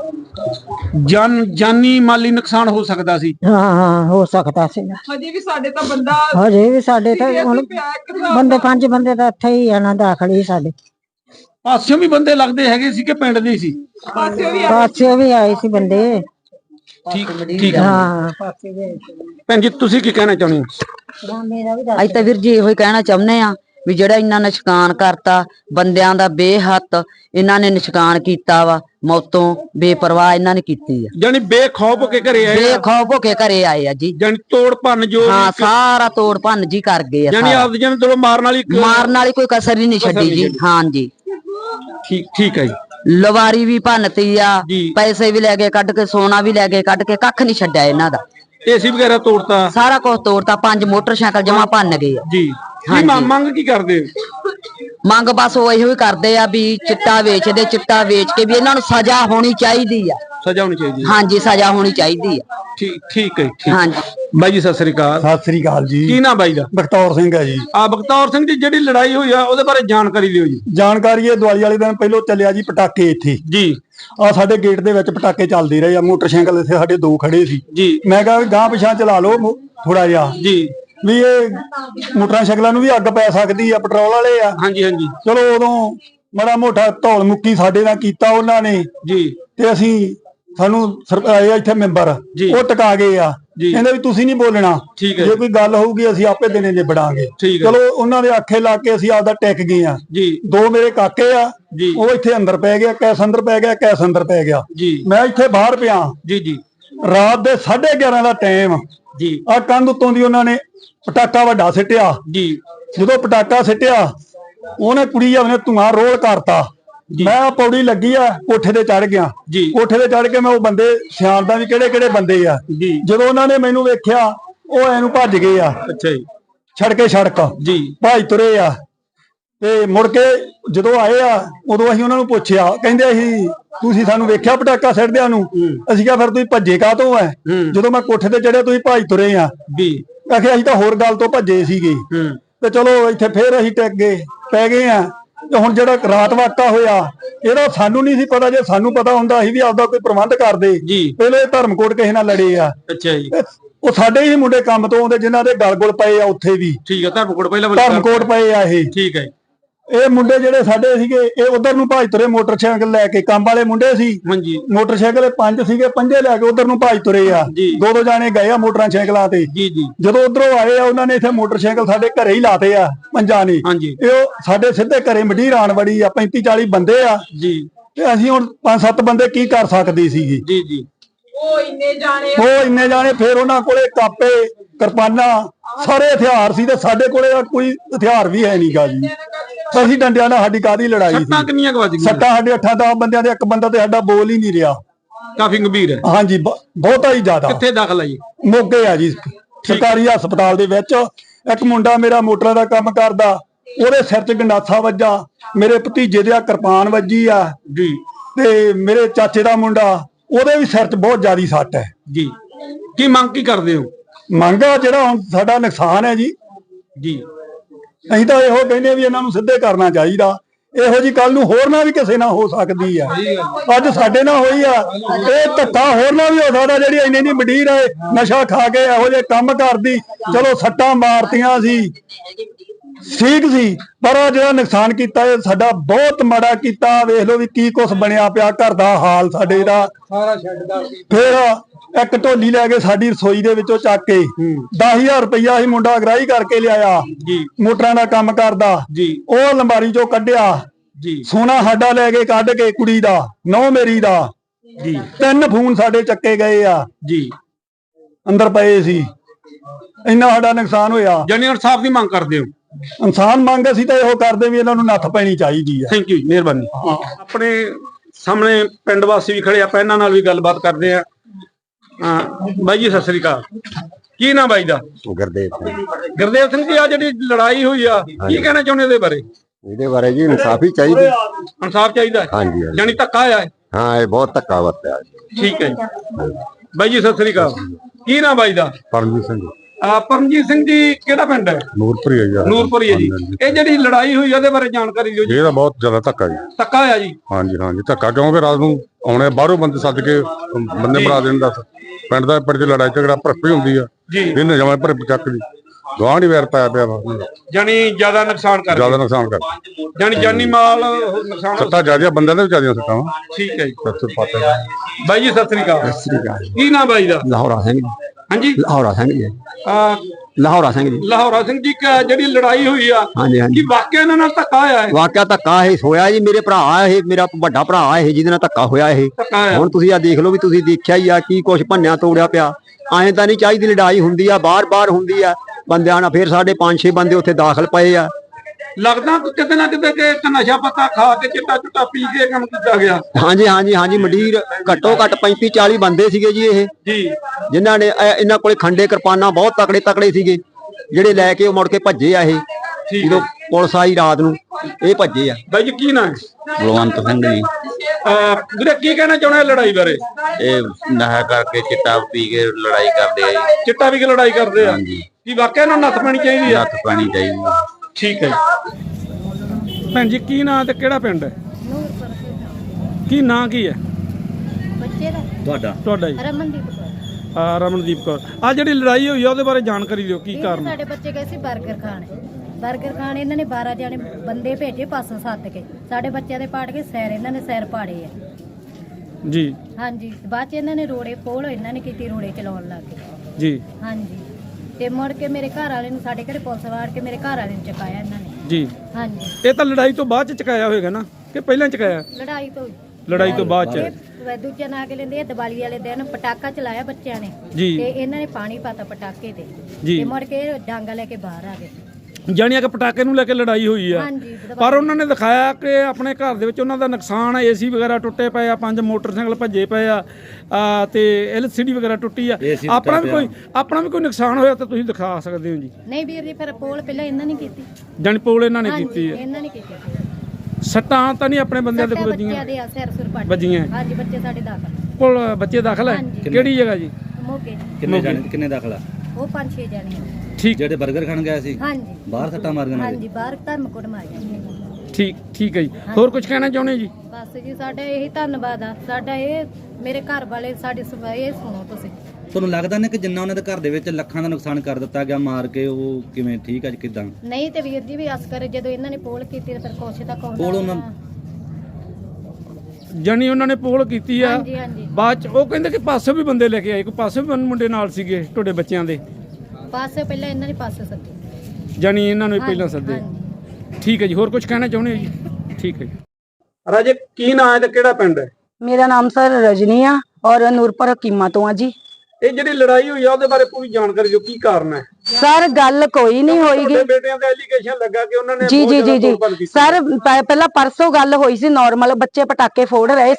S2: ਜਾਨੀ ਮਾਲੀ ਨੁਕਸਾਨ ਹੋ ਸਕਦਾ ਸੀ।
S3: ਹਾਂ ਹੋ ਸਕਦਾ ਸੀ।
S4: ਹਜੇ ਵੀ ਸਾਡੇ ਤਾਂ ਬੰਦਾ
S3: ਹੁਣ ਬੰਦੇ 5 ਬੰਦੇ ਤਾਂ ਇੱਥੇ ਹੀ ਆ ਨਾ ਦਾਖਲ ਹੀ ਸਾਡੇ।
S2: ਪਾਸਿਓਂ ਵੀ ਬੰਦੇ ਲੱਗਦੇ ਹੈਗੇ ਸੀ ਕਿ ਪਿੰਡ ਦੇ ਸੀ?
S3: ਪਾਸਿਓਂ ਵੀ ਆਏ ਸੀ ਬੰਦੇ।
S2: ਠੀਕ
S3: ਹਾਂ
S2: ਭੈਣ ਜੀ ਤੁਸੀਂ ਕੀ ਕਹਿਣਾ ਚਾਹੁੰਦੇ ਹੋ?
S5: ਅੱਜ ਤਾਂ ਵੀਰ ਜੀ ਇਹੋ ਹੀ ਕਹਿਣਾ ਚਾਹੁੰਦੇ ਆ ਵੀ ਜਿਹੜਾ ਇਹਨਾਂ ਨੇ ਨੁਕਸਾਨ ਕਰਤਾ ਬੰਦਿਆਂ ਦਾ, ਬੇਹੱਤ ਇਹਨਾਂ ਨੇ ਨੁਕਸਾਨ ਕੀਤਾ ਵਾ, ਮੌਤੋਂ ਬੇਪਰਵਾਹ ਇਹਨਾਂ ਨੇ ਕੀਤੀ ਆ।
S2: ਜਾਨੀ ਬੇਖੌਫ ਹੋ ਕੇ ਘਰੇ ਆਏ?
S5: ਬੇਖੌਫ ਹੋ ਕੇ ਘਰੇ ਆਏ ਆ ਜੀ।
S2: ਜਾਨੀ ਤੋੜ ਭੰਨ ਜੋ?
S5: ਹਾਂ ਸਾਰਾ ਤੋੜ ਭੰਨ ਜੀ ਕਰ ਗਏ ਆ।
S2: ਜਾਨੀ ਆਪ ਜਨ ਤੋਂ ਮਾਰਨ ਵਾਲੀ
S5: ਕੋਈ ਕਸਰ ਹੀ ਨਹੀਂ ਛੱਡੀ ਜੀ। ਹਾਂ ਜੀ
S2: ਠੀਕ ਹੈ ਜੀ।
S5: ਲਵਾਰੀ ਵੀ ਭੰਨਤੀ ਆ, ਪੈਸੇ ਵੀ ਲੈ ਕੇ ਕੱਢ ਕੇ, ਸੋਨਾ ਵੀ ਲੈ ਕੇ ਕੱਢ ਕੇ, ਕੱਖ ਨਹੀਂ ਛੱਡਿਆ ਇਹਨਾਂ ਦਾ।
S2: ਏਸੀ ਵਗੈਰਾ ਤੋੜਤਾ?
S5: ਸਾਰਾ ਕੁਝ ਤੋੜਤਾ। 5 ਮੋਟਰਸਾਈਕਲ ਜਮਾ ਭੰਨ ਗਏ ਆ
S2: ਜੀ। ਮੰਗ ਕੀ ਕਰਦੇ?
S5: ਮੰਗ ਬਸ ਉਹ ਇਹੋ ਹੀ ਕਰਦੇ ਆ ਵੀ ਚਿੱਟਾ ਵੇਚਦੇ, ਚਿੱਟਾ ਵੇਚ ਕੇ ਵੀ ਇਹਨਾਂ ਨੂੰ ਸਜ਼ਾ ਹੋਣੀ ਚਾਹੀਦੀ ਆ।
S2: ਸਜ਼ਾ ਹੋਣੀ ਚਾਹੀਦੀ?
S5: ਹਾਂਜੀ ਸਜ਼ਾ ਹੋਣੀ ਚਾਹੀਦੀ ਆ।
S2: ਠੀਕ ਹੈ।
S5: ਹਾਂਜੀ
S2: ਬਾਈ ਜੀ ਸਤਿ ਸ੍ਰੀ ਅਕਾਲ।
S6: ਸਤਿ ਸ੍ਰੀ ਅਕਾਲ ਜੀ।
S2: ਕੀ ਨਾਮ ਬਾਈ ਦਾ?
S6: ਬਖਤੌਰ ਸਿੰਘ ਹੈ ਜੀ।
S2: ਬਖਤੌਰ ਸਿੰਘ ਜੀ, ਜਿਹੜੀ ਲੜਾਈ ਹੋਈ ਆ ਉਹਦੇ ਬਾਰੇ ਜਾਣਕਾਰੀ ਦਿਓ ਜੀ।
S6: ਜਾਣਕਾਰੀ ਇਹ ਦੀਵਾਲੀ ਵਾਲੇ ਦਿਨ ਪਹਿਲੋਂ ਚੱਲਿਆ ਜੀ ਪਟਾਕੇ ਇੱਥੇ
S2: ਜੀ।
S6: ਸਾਡੇ ਗੇਟ ਦੇ ਵਿੱਚ ਪਟਾਕੇ ਚੱਲਦੇ ਰਹੇ ਆ। ਮੋਟਰਸਾਈਕਲ ਇੱਥੇ ਸਾਡੇ 2 ਖੜੇ ਸੀ
S2: ਜੀ।
S6: ਮੈਂ ਕਿਹਾ ਵੀ ਗਾਂ ਪਿਛਾਂ ਚਲਾ ਲਓ ਥੋੜਾ ਜਿਹਾ
S2: ਜੀ,
S6: ਵੀ ਇਹ ਮੋਟਰਸਾਈਕਲਾਂ ਨੂੰ ਵੀ ਅੱਗ ਪੈ ਸਕਦੀ ਆ, ਪੈਟਰੋਲ ਵਾਲੇ ਆ।
S2: ਹਾਂਜੀ।
S6: ਚਲੋ ਉਦੋਂ ਮਾੜਾ ਮੋਟਾ ਧੌਲ ਮੁੱਕੀ ਸਾਡੇ ਨਾਲ ਕੀਤਾ ਉਹਨਾਂ ਨੇ ਜੀ। ਤੇ ਅਸੀਂ ਸਾਨੂੰ ਇੱਥੇ ਮੈਂਬਰ ਉਹ ਟਿਕਾ ਗਏ ਆ, ਕਹਿੰਦੇ ਵੀ ਤੁਸੀਂ ਨਹੀਂ ਬੋਲਣਾ, ਜੇ ਕੋਈ ਗੱਲ ਹੋਊਗੀ ਅਸੀਂ ਆਪੇ ਦਿਨੇ ਨਿਬੜਾਂਗੇ। ਚਲੋ ਉਹਨਾਂ ਦੇ ਆਖੇ ਲਾ ਕੇ ਅਸੀਂ ਆਪਦਾ ਟਿਕ ਗਏ ਆ ਜੀ। 2 ਮੇਰੇ ਕਾਕੇ ਆ, ਉਹ ਇੱਥੇ ਅੰਦਰ ਪੈ ਗਿਆ, ਕੈਸ ਅੰਦਰ ਪੈ ਗਿਆ, ਕੈਸ ਅੰਦਰ ਪੈ ਗਿਆ। ਮੈਂ ਇੱਥੇ ਬਾਹਰ ਪਿਆ ਜੀ। ਰਾਤ ਦੇ 11:30 ਦਾ ਟਾਈਮ ਜੀ। ਆ ਕੰਧ ਉੱਤੋਂ ਦੀ ਉਹਨਾਂ ਨੇ ਪਟਾਕਾ ਵੱਡਾ ਸਿੱਟਿਆ ਜੀ। ਜਦੋਂ ਪਟਾਕਾ ਸਿੱਟਿਆ ਉਹਨੇ ਕੁੜੀ ਆਪਣੇ ਧੂਆਂ ਰੋਲ ਕਰਤਾ। ਮੈਂ ਪੌੜੀ ਲੱਗੀ ਆ, ਕੋਠੇ ਤੇ ਚੜ ਗਿਆ ਜੀ। ਕੋਠੇ ਤੇ ਚੜ ਕੇ ਮੈਂ ਉਹ ਬੰਦੇ ਸਿਆਣਦਾ ਵੀ ਕਿਹੜੇ ਬੰਦੇ ਆ। ਜਦੋਂ ਉਹਨਾਂ ਨੇ ਮੈਨੂੰ ਵੇਖਿਆ ਉਹ ਐਨੂੰ ਭੱਜ ਗਏ ਆ। ਅੱਛਾ ਜੀ। ਛੱਡ ਕੇ ਸੜਕ ਜੀ ਭਾਈ ਤੁਰੇ ਆ। ਤੇ ਮੁੜ ਕੇ ਜਦੋਂ ਆਏ ਆ ਉਦੋਂ ਅਸੀਂ ਉਹਨਾਂ ਨੂੰ ਪੁੱਛਿਆ, ਕਹਿੰਦੇ ਤੁਸੀਂ ਸਾਨੂੰ ਵੇਖਿਆ ਪਟਾਕਾ ਸਿੱਟਦਿਆਂ ਨੂੰ? ਅਸੀਂ ਕਿਹਾ ਫਿਰ ਤੁਸੀਂ ਭੱਜੇ ਕਾਹਤੋਂ ਐ? ਜਦੋਂ ਮੈਂ ਕੋਠੇ ਤੇ ਚੜਿਆ ਤੁਸੀਂ ਭਾਈ ਤੁਰੇ ਆ ਜੀ। ਆਖਿਆ ਅਸੀਂ ਤਾਂ ਹੋਰ ਗੱਲ ਤੋਂ ਭੱਜੇ ਸੀਗੇ। ਤੇ ਚਲੋ ਇੱਥੇ ਫੇਰ ਅਸੀਂ ਟਿਕ ਗਏ, ਪੈ ਗਏ ਆ। ਤੇ ਹੁਣ ਜਿਹੜਾ ਰਾਤ ਵਾਕਾ ਹੋਇਆ ਇਹਦਾ ਸਾਨੂੰ ਨਹੀਂ ਸੀ ਪਤਾ। ਜੇ ਸਾਨੂੰ ਪਤਾ ਹੁੰਦਾ ਅਸੀਂ ਵੀ ਆਪਦਾ ਕੋਈ ਪ੍ਰਬੰਧ ਕਰਦੇ। ਪਹਿਲੇ ਧਰਮਕੋਟ ਕਿਸੇ ਨਾਲ ਲੜੇ ਆ। ਅੱਛਾ ਜੀ। ਉਹ ਸਾਡੇ ਹੀ ਮੁੰਡੇ ਕੰਮ ਤੋਂ ਆਉਂਦੇ ਜਿਨ੍ਹਾਂ ਦੇ ਗਲ ਪਏ ਆ ਉੱਥੇ ਵੀ। ਠੀਕ ਆ। ਧਰਮਕੋਟ ਪਏ ਆ ਇਹ। ਠੀਕ ਹੈ। ਇਹ ਮੁੰਡੇ ਜਿਹੜੇ ਸਾਡੇ ਸੀਗੇ ਇਹ ਉਧਰ ਨੂੰ ਭੱਜ ਤੁਰੇ ਮੋਟਰਸਾਈਕਲ ਲੈ ਕੇ। ਕੰਮ ਵਾਲੇ ਮੁੰਡੇ ਸੀ ਮੋਟਰਸਾਈਕਲ 5 ਸੀਗੇ, 5 ਲੈ ਕੇ ਉਧਰ ਨੂੰ ਭੱਜ ਤੁਰੇ ਆ। 2 ਜਾਣੇ ਗਏ ਆ ਮੋਟਰਸਾਈਕਲਾਂ ਤੇ। ਜਦੋਂ ਉਧਰੋਂ ਆਏ ਆ ਉਹਨਾਂ ਨੇ ਇੱਥੇ ਮੋਟਰਸਾਈਕਲ ਸਾਡੇ ਘਰੇ ਹੀ ਲਾਤੇ ਆ 5 ਨੇ। ਇਹ ਸਾਡੇ ਸਿੱਧੇ ਘਰੇ ਮੰਡੀਰ ਆਣ ਵੜੀ ਆ। 35-40 ਬੰਦੇ ਆ ਤੇ ਅਸੀਂ ਹੁਣ 5-7 ਬੰਦੇ ਕੀ ਕਰ ਸਕਦੇ ਸੀਗੇ ਜੀ। ਉਹ ਇੰਨੇ ਜਾਣੇ ਫਿਰ ਉਹਨਾਂ ਕੋਲੇ ਕਾਪੇ, ਕਿਰਪਾਨਾਂ, ਸਾਰੇ ਹਥਿਆਰ ਸੀ ਤੇ ਸਾਡੇ ਕੋਲੇ ਕੋਈ ਹਥਿਆਰ ਵੀ ਹੈ ਨਹੀਂਗਾ ਜੀ। ਅਸੀਂ ਡੰਡਿਆਂ ਨਾਲ ਸਾਡੀ ਕਾਹਦੀ ਲੜਾਈ ਸੀ।
S2: ਸੱਟਾਂ ਕਿੰਨੀਆਂ ਕੁ ਵੱਜ ਗਈਆਂ?
S6: ਸੱਟਾਂ ਸਾਡੇ 8-10 ਬੰਦਿਆਂ ਦੇ, ਇੱਕ ਬੰਦਾ ਤੇ ਸਾਡਾ ਬੋਲ ਹੀ ਨਹੀਂ ਰਿਹਾ।
S2: ਕਾਫੀ ਗੰਭੀਰ ਹੈ?
S6: ਹਾਂਜੀ ਬਹੁਤਾ ਹੀ ਜ਼ਿਆਦਾ।
S2: ਕਿੱਥੇ ਦਾਖਲ ਹੈ ਜੀ?
S6: ਮੋਗੇ ਆ ਜੀ, ਸਰਕਾਰੀ ਹਸਪਤਾਲ ਦੇ ਵਿੱਚ। ਇੱਕ ਮੁੰਡਾ ਮੇਰਾ ਮੋਟਰਾਂ ਦਾ ਕੰਮ ਕਰਦਾ, ਉਹਦੇ ਸਿਰ 'ਚ ਗੰਡਾਸਾ ਵੱਜਾ। ਮੇਰੇ ਭਤੀਜੇ ਦੇ ਕਿਰਪਾਨ ਵੱਜੀ ਆ ਜੀ। ਤੇ ਮੇਰੇ ਚਾਚੇ ਦਾ ਮੁੰਡਾ, ਉਹਦੇ ਵੀ ਸਿਰ 'ਚ ਬਹੁਤ ਜ਼ਿਆਦਾ ਸੱਟ ਹੈ
S2: ਜੀ। ਕੀ ਮੰਗ ਕੀ ਕਰਦੇ ਹੋ?
S6: ਮੰਗ ਜਿਹੜਾ ਹੁਣ ਸਾਡਾ ਨੁਕਸਾਨ ਹੈ ਜੀ। ਅਸੀਂ ਤਾਂ ਇਹੋ ਕਹਿੰਦੇ ਵੀ ਇਹਨਾਂ ਨੂੰ ਸਿੱਧੇ ਕਰਨਾ ਚਾਹੀਦਾ। ਇਹੋ ਜੀ ਕੱਲ ਨੂੰ ਹੋਰ ਨਾ ਵੀ ਕਿਸੇ ਨਾਲ ਹੋ ਸਕਦੀ ਆ। ਅੱਜ ਸਾਡੇ ਨਾਲ ਹੋਈ ਆ, ਇਹ ਧੱਕਾ ਹੋਰ ਨਾ ਵੀ ਹੋ ਸਕਦਾ। ਜਿਹੜੀ ਇੰਨੀ ਮੰਡੀਰ ਹੈ ਨਸ਼ਾ ਖਾ ਕੇ ਇਹੋ ਜਿਹੇ ਕੰਮ ਕਰਦੀ। ਚਲੋ ਸੱਟਾਂ ਮਾਰਤੀਆਂ ਸੀ, ਠੀਕ ਸੀ, ਪਰ ਜਿਹੜਾ ਨੁਕਸਾਨ ਕੀਤਾ ਇਹ ਸਾਡਾ ਬਹੁਤ ਮਾੜਾ ਕੀਤਾ। ਵੇਖ ਲਓ ਵੀ ਕੀ ਕੁਛ ਬਣਿਆ ਪਿਆ ਘਰ ਦਾ ਹਾਲ ਸਾਡੇ ਦਾ। ਫਿਰ ਇੱਕ ਢੋਲੀ ਲੈ ਕੇ ਸਾਡੀ ਰਸੋਈ ਦੇ ਵਿੱਚੋਂ ਚੱਕ ਕੇ 10,000 ਰੁਪਇਆ ਅਸੀਂ ਮੁੰਡਾ ਅਗਰਾਈ ਕਰਕੇ ਲਿਆਇਆ ਮੋਟਰਾਂ ਦਾ ਕੰਮ ਕਰਦਾ। ਉਹ ਲੰਬਾਰੀ ਚੋਂ ਕੱਢਿਆ ਸੋਨਾ ਸਾਡਾ ਲੈ ਕੇ ਕੱਢ ਕੇ, ਕੁੜੀ ਦਾ, ਨੌ ਮੇਰੀ ਦਾ 3 ਫੋਨ ਸਾਡੇ ਚੱਕੇ ਗਏ ਆ ਅੰਦਰ ਪਏ ਸੀ। ਇੰਨਾ ਸਾਡਾ ਨੁਕਸਾਨ ਹੋਇਆ।
S2: ਜਾਨੀ ਇਨਸਾਫ ਦੀ ਮੰਗ ਕਰਦੇ ਹੋ?
S6: ਇਨਸਾਨ ਮੰਗ ਅਸੀਂ ਤਾਂ ਇਹੋ ਕਰਦੇ ਵੀ ਇਹਨਾਂ ਨੂੰ ਨੱਥ ਪੈਣੀ ਚਾਹੀਦੀ ਹੈ।
S2: ਥੈਂਕ ਯੂ, ਮਿਹਰਬਾਨੀ। ਆਪਣੇ ਸਾਹਮਣੇ ਪਿੰਡ ਵਾਸੀ ਵੀ ਖੜੇ, ਆਪਾਂ ਇਹਨਾਂ ਨਾਲ ਵੀ ਗੱਲਬਾਤ ਕਰਦੇ ਆ। ਬਾਈ ਜੀ ਸਤਿ ਸ੍ਰੀ ਅਕਾਲ। ਕੀ ਨਾਮ ਬਾਈ ਦਾ? ਗੁਰਦੇਵ ਸਿੰਘ ਜੀ। ਆ ਜਿਹੜੀ ਲੜਾਈ ਹੋਈ ਆ ਕੀ ਕਹਿਣਾ ਚਾਹੁੰਦੇ ਇਹਦੇ ਬਾਰੇ?
S7: ਇਹਦੇ ਬਾਰੇ ਜੀ ਇਨਸਾਫ ਹੀ ਚਾਹੀਦਾ।
S2: ਇਨਸਾਫ ਚਾਹੀਦਾ? ਹਾਂਜੀ। ਜਾਨੀ ਧੱਕਾ ਆਇਆ ਹੈ?
S7: ਹਾਂ, ਇਹ ਬਹੁਤ ਧੱਕਾ ਵਰਤਿਆ।
S2: ਠੀਕ ਹੈ ਜੀ। ਬਾਈ ਜੀ ਸਤਿ ਸ੍ਰੀ ਅਕਾਲ। ਕੀ ਨਾਮ ਬਾਈ ਦਾ?
S7: ਪਰਮਜੀਤ ਸਿੰਘ।
S1: ਪਰਮਜੀਤ ਸਿੰਘ ਜੀ ਕਿਹੜਾ ਪਿੰਡ ਹੈ?
S4: ਨੂਰਪੁਰੀ ਹੈ ਜੀ।
S1: ਨੂਰਪੁਰੀ ਹੈ ਜੀ। ਇਹ ਜਿਹੜੀ ਲੜਾਈ ਹੋਈ ਉਹਦੇ ਬਾਰੇ ਜਾਣਕਾਰੀ ਦਿਓ ਜੀ।
S4: ਇਹ ਤਾਂ ਬਹੁਤ ਜ਼ਿਆਦਾ ਧੱਕਾ ਜੀ।
S1: ਧੱਕਾ ਹੋਇਆ ਜੀ?
S4: ਹਾਂਜੀ ਹਾਂਜੀ ਧੱਕਾ, ਕਿਉਂਕਿ ਰਾਤ ਨੂੰ ਆਉਣੇ ਬਾਹਰੋਂ ਬੰਦੇ ਸੱਦ ਕੇ ਬੰਦੇ ਬਣਾ ਦੇਣ। ਦੱਸ ਪਿੰਡ ਚ ਲੜਾਈ ਝਗੜਾ ਭਰਪੀ ਹੁੰਦੀ ਆ
S1: ਜੀ।
S4: ਇਹਨੇ ਜਮਾਂ ਭਰਪ ਚੱਕ ਦੀ ਗਵਾਂਢੀ ਵੈਰ ਪਾਇਆ ਪਿਆ ਵਾ,
S1: ਜਾਨੀ ਜ਼ਿਆਦਾ ਨੁਕਸਾਨ ਕਰ ਜਾਨੀ ਜਾਨੀ ਮਾਲ ਨੁਕਸਾਨ।
S4: ਸੱਟਾਂ ਜ਼ਿਆਦੀਆਂ ਬੰਦਿਆਂ ਦੇ ਵਿਚਾਰੀਆਂ ਸੱਟਾਂ ਵਾ।
S1: ਠੀਕ ਹੈ ਜੀ।
S4: ਪਤਾ
S1: ਬਾਈ ਜੀ ਸਤਿ ਸ੍ਰੀ ਅਕਾਲ।
S2: ਸਤਿ ਸ੍ਰੀ ਅਕਾਲ।
S1: ਕੀ ਨਾਮ ਬਾਈ ਦਾ?
S2: ਲਾਹੌਰਾ ਸਿੰਘ ਜੀ।
S1: ਹਾਂਜੀ
S2: ਲਾਹੌਰਾ ਸਿੰਘ ਜੀ। ਲਾਹੌਰਾ ਸਿੰਘ ਜੀ।
S1: ਲਾਹੌਰਾ ਸਿੰਘ ਜੀ ਜਿਹੜੀ ਲੜਾਈ ਹੋਈ ਆ,
S2: ਹਾਂਜੀ ਹਾਂਜੀ,
S1: ਕੀ ਵਾਕਿਆ ਇਹਨਾਂ ਨਾਲ ਧੱਕਾ ਹੋਇਆ ਹੈ?
S2: ਵਾਕਿਆ ਧੱਕਾ ਇਹ ਹੋਇਆ ਜੀ। ਮੇਰੇ ਭਰਾ ਇਹ ਮੇਰਾ ਵੱਡਾ ਭਰਾ ਇਹ ਜਿਹਦੇ ਨਾਲ ਧੱਕਾ ਹੋਇਆ ਇਹ। ਹੁਣ ਤੁਸੀਂ ਆ ਦੇਖ ਲਓ ਵੀ ਤੁਸੀਂ ਦੇਖਿਆ ਹੀ ਆ ਕੀ ਕੁਛ ਭੰਨਿਆ ਤੋੜਿਆ ਪਿਆ। ਐਂ ਤਾਂ ਨਹੀਂ ਚਾਹੀਦੀ ਲੜਾਈ ਹੁੰਦੀ ਆ, ਬਾਰ-ਬਾਰ ਹੁੰਦੀ ਆ ਬੰਦਿਆਂ ਨਾਲ। ਫਿਰ ਸਾਡੇ 5-6 ਬੰਦੇ ਉੱਥੇ ਦਾਖਲ ਪਏ ਆ।
S1: ਲੱਗਦਾ ਕਿਤੇ ਨਾ ਕਿਤੇ ਕਿ ਨਸ਼ਾ ਪਤਾ ਖਾ ਕੇ ਚਿੱਟਾ ਚੁੱਟਾ ਪੀ ਕੇ ਕੰਮ ਕੀਤਾ ਗਿਆ।
S2: ਹਾਂਜੀ ਹਾਂਜੀ ਹਾਂਜੀ, ਮੰਡੀਰ ਘੱਟੋ ਘੱਟ 35-40 ਬੰਦੇ ਸੀਗੇ ਜੀ ਇਹ
S1: ਜੀ,
S2: ਜਿਨ੍ਹਾਂ ਨੇ ਇਹਨਾਂ ਕੋਲੇ ਖੰਡੇ ਕਿਰਪਾਨਾਂ ਬਹੁਤ ਤਕੜੇ ਸੀਗੇ, ਜਿਹੜੇ ਲੈ ਕੇ ਉਹ ਮੁੜ ਕੇ ਭੱਜੇ ਆ। ਇਹ ਜਦੋਂ ਪੁਲਿਸ ਆਈ ਰਾਤ ਨੂੰ ਇਹ ਭੱਜੇ ਆ।
S1: ਬਾਈ ਜੀ ਕੀ ਨਾਮ?
S8: ਬਲਵੰਤ ਸਿੰਘ ਜੀ।
S1: ਵੀਰੇ ਕੀ ਕਹਿਣਾ ਚਾਹੁੰਦੇ ਲੜਾਈ ਬਾਰੇ?
S8: ਇਹ ਨਸ਼ਾ ਕਰਕੇ ਚਿੱਟਾ ਪੀ ਕੇ ਲੜਾਈ ਕਰਦੇ ਆ ਜੀ।
S1: ਚਿੱਟਾ ਪੀ ਕੇ ਲੜਾਈ ਕਰਦੇ ਆ?
S8: ਹਾਂਜੀ।
S1: ਕੀ ਵਾਕਿਆ ਇਹਨਾਂ ਨੂੰ ਨੱਥ ਪੈਣੀ ਚਾਹੀਦੀ ਆ?
S8: ਨੱਥ ਪੈਣੀ ਚਾਹੀਦੀ।
S1: ਠੀਕ ਹੈ ਜੀ। ਭੈਣ ਜੀ ਕੀ ਨਾਂ ਤੇ ਕਿਹੜਾ ਪਿੰਡ ਹੈ? ਕੀ ਨਾਂ ਕੀ ਹੈ
S9: ਬੱਚੇ ਦਾ?
S1: ਤੁਹਾਡਾ ਜੀ?
S9: ਰਮਨਦੀਪ ਕੌਰ।
S1: ਰਮਨਦੀਪ ਕੌਰ। ਆ ਜਿਹੜੀ ਲੜਾਈ ਹੋਈ ਆ ਉਹਦੇ ਬਾਰੇ ਜਾਣਕਾਰੀ ਦਿਓ, ਕੀ ਕਾਰਨ?
S9: ਸਾਡੇ ਬੱਚੇ ਗਏ ਸੀ 버ਗਰ ਖਾਣ। ਇਹਨਾਂ ਨੇ 12 ਜਾਣੇ ਬੰਦੇ ਭੇਜੇ ਪਾਸੋਂ ਸੱਦ ਕੇ। ਸਾਡੇ ਬੱਚਿਆਂ ਦੇ ਪਾੜ ਕੇ ਸੈਰ, ਇਹਨਾਂ ਨੇ ਸੈਰ ਪਾੜੇ ਆ
S1: ਜੀ।
S9: ਹਾਂਜੀ। ਬਾਅਦ ਚ ਇਹਨਾਂ ਨੇ ਰੋੜੇ ਪੋਲ ਇਹਨਾਂ ਨੇ ਕੀਤੀ, ਰੋੜੇ ਚਲਾਉਣ ਲੱਗ ਗਏ
S1: ਜੀ।
S9: ਹਾਂਜੀ। ਤੇ ਮੁੜ ਕੇ ਮੇਰੇ ਘਰ ਵਾਲੇ ਨੂੰ, ਸਾਡੇ ਘਰੇ ਪੁਲਿਸ ਵਾੜ ਕੇ ਮੇਰੇ ਘਰ ਵਾਲੇ ਨੂੰ ਚਕਾਇਆ ਇਹਨਾਂ ਨੇ
S1: ਜੀ।
S9: ਹਾਂਜੀ।
S1: ਇਹ ਤਾਂ ਲੜਾਈ ਤੋਂ ਬਾਅਦ ਚ ਚਕਾਇਆ ਹੋਏਗਾ ਨਾ, ਕਿ ਪਹਿਲਾਂ ਚਕਾਇਆ? ਲੜਾਈ ਤੋਂ ਬਾਅਦ ਚ।
S9: ਦੂਜਾ ਨਾਂ ਕੇ ਲੈਂਦੇ, ਦੀਵਾਲੀ ਵਾਲੇ ਦਿਨ ਪਟਾਕਾ ਚਲਾਇਆ ਬੱਚਿਆਂ ਨੇ
S1: ਜੀ।
S9: ਤੇ ਇਹਨਾਂ ਨੇ ਪਾਣੀ ਪਾਤਾ ਪਟਾਕੇ ਤੇ
S1: ਜੀ।
S9: ਮੁੜ ਕੇ ਡਾਂਗਾ ਲੈ ਕੇ ਬਾਹਰ ਆ ਗਏ।
S1: ਜਾਣੀਆਂ ਕਿ ਪਟਾਕੇ ਨੂੰ ਲੈ ਕੇ ਲੜਾਈ ਹੋਈ ਆ।
S9: ਹਾਂਜੀ।
S1: ਪਰ ਉਹਨਾਂ ਨੇ ਦਿਖਾਇਆ ਕਿ ਆਪਣੇ ਘਰ ਦੇ ਵਿੱਚ ਉਹਨਾਂ ਦਾ ਨੁਕਸਾਨ ਹੈ, ਏਸੀ ਵਗੈਰਾ ਟੁੱਟੇ ਪਏ ਆ, 5 ਮੋਟਰਸਾਈਕਲ ਭੱਜੇ ਪਏ ਆ, ਤੇ LCD ਵਗੈਰਾ ਟੁੱਟੀ ਆ। ਆਪਣਾ ਵੀ ਕੋਈ ਨੁਕਸਾਨ ਹੋਇਆ ਤਾਂ ਤੁਸੀਂ ਦਿਖਾ ਸਕਦੇ ਹੋ ਜੀ।
S9: ਨਹੀਂ ਵੀਰ ਜੀ, ਫਿਰ ਪੋਲ ਪਹਿਲਾਂ ਇਹਨਾਂ ਨੇ ਕੀਤੀ।
S1: ਜਾਣੀ ਪੋਲ ਇਹਨਾਂ ਨੇ ਕੀਤੀ ਹੈ?
S9: ਇਹਨਾਂ ਨੇ ਕੀਤੀ।
S1: ਸੱਟਾਂ ਤਾਂ ਨਹੀਂ ਆਪਣੇ ਬੰਦਿਆਂ ਦੇ ਕੋਲ
S9: ਬੱਚਿਆਂ ਦੇ ਸਿਰ ਸੁਰ ਪੱਟ
S1: ਵੱਜੀਆਂ?
S9: ਹਾਂਜੀ, ਬੱਚੇ ਸਾਡੇ ਦਾਖਲ।
S1: ਕੋਲ ਬੱਚੇ ਦਾਖਲ ਹੈ? ਕਿਹੜੀ ਜਗ੍ਹਾ ਜੀ?
S9: ਮੋਗੇ।
S8: ਕਿੰਨੇ ਦਾਖਲਾ?
S9: ਉਹ 5-6 ਜਾਣੇ।
S1: ਠੀਕ।
S8: ਜਿਹੜੇ 버ਗਰ ਖਾਣ ਗਏ ਸੀ?
S9: ਹਾਂਜੀ।
S8: ਬਾਹਰ ਸੱਟਾਂ ਮਾਰੀਆਂ ਨੇ?
S9: ਹਾਂਜੀ, ਬਾਹਰ ਧਰਮਕੋਟ ਮਾਰਿਆ।
S1: ਠੀਕ ਹੈ ਜੀ। ਹੋਰ ਕੁਝ ਕਹਿਣਾ ਚਾਹੁੰਦੇ ਜੀ?
S9: ਬਸ ਜੀ, ਸਾਡਾ ਇਹੀ ਧੰਨਵਾਦ ਆ। ਸਾਡਾ ਇਹ ਮੇਰੇ ਘਰ ਵਾਲੇ ਸਾਡੀ ਇਹ ਸੁਣੋ ਤੁਸੀਂ।
S8: ਤੁਹਾਨੂੰ ਲੱਗਦਾ ਨਾ ਕਿ ਜਿੰਨਾ ਉਹਨਾਂ ਦੇ ਘਰ ਦੇ ਵਿੱਚ ਲੱਖਾਂ ਦਾ ਨੁਕਸਾਨ ਕਰ ਦਿੱਤਾ ਗਿਆ ਮਾਰ ਕੇ, ਉਹ ਕਿਵੇਂ ਠੀਕ ਅੱਜ ਕਿਦਾਂ?
S9: ਨਹੀਂ ਤੇ ਵੀਰ ਜੀ ਵੀ ਅਸਕਰ ਜਦੋਂ ਇਹਨਾਂ ਨੇ ਪੋਲ ਕੀਤੀ ਤੇ ਫਿਰ ਕੁਛ ਤਾਂ
S8: ਪੋਲ ਉਹਨਾਂ
S1: ਜਾਨੀ ਉਹਨਾਂ ਨੇ ਪੋਲ ਕੀਤੀ ਆ।
S9: ਹਾਂਜੀ ਹਾਂਜੀ।
S1: ਬਾਅਦ ਚ ਉਹ ਕਹਿੰਦੇ ਕਿ ਪਾਸੇ ਵੀ ਬੰਦੇ ਲੈ ਕੇ ਆਏ, ਕੋਈ ਪਾਸੇ ਵੀ ਮੁੰਡੇ ਨਾਲ ਸੀਗੇ ਤੁਹਾਡੇ ਬੱਚਿਆਂ ਦੇ?
S9: ਪਾਸੇ ਪਹਿਲਾਂ ਇਹਨਾਂ ਨੇ ਪਾਸੇ ਸੱਦੇ।
S1: ਜਾਨੀ ਇਹਨਾਂ ਨੂੰ ਪਹਿਲਾਂ ਸੱਦੇ। ਠੀਕ ਹੈ ਜੀ। ਹੋਰ ਕੁਝ ਕਹਿਣਾ ਚਾਹੁੰਦੇ ਹੋ ਜੀ? ਠੀਕ ਹੈ ਜੀ। ਰਾਜੇ ਕੀ ਨਾਂ ਹੈ ਤੇ ਕਿਹੜਾ ਪਿੰਡ ਹੈ?
S10: ਮੇਰਾ ਨਾਮ ਸਰ ਰਜਨੀ ਆ ਔਰ ਨੂਰਪੁਰ ਹਕੀਮਾ ਤੋਂ ਆ ਜੀ।
S1: ਇਹ ਜਿਹੜੀ ਲੜਾਈ ਹੋਈ ਆ ਉਹਦੇ ਬਾਰੇ ਪੂਰੀ ਜਾਣਕਾਰੀ ਦਿਓ, ਕੀ ਕਾਰਨ ਹੈ?
S10: ਸਰ ਗੱਲ ਕੋਈ ਨਹੀਂ ਹੋਈਗੀ।
S1: ਬੇਟਿਆਂ ਦਾ ਐਲੀਗੇਸ਼ਨ ਲੱਗਾ ਕਿ ਉਹਨਾਂ ਨੇ
S10: ਜੀ ਸਰ ਪਹਿਲਾਂ ਪਰਸੋਂ ਗੱਲ ਹੋਈ ਸੀ ਨਾਰਮਲ। ਬੱਚੇ ਪਟਾਕੇ ਫੋੜ ਰਹੇ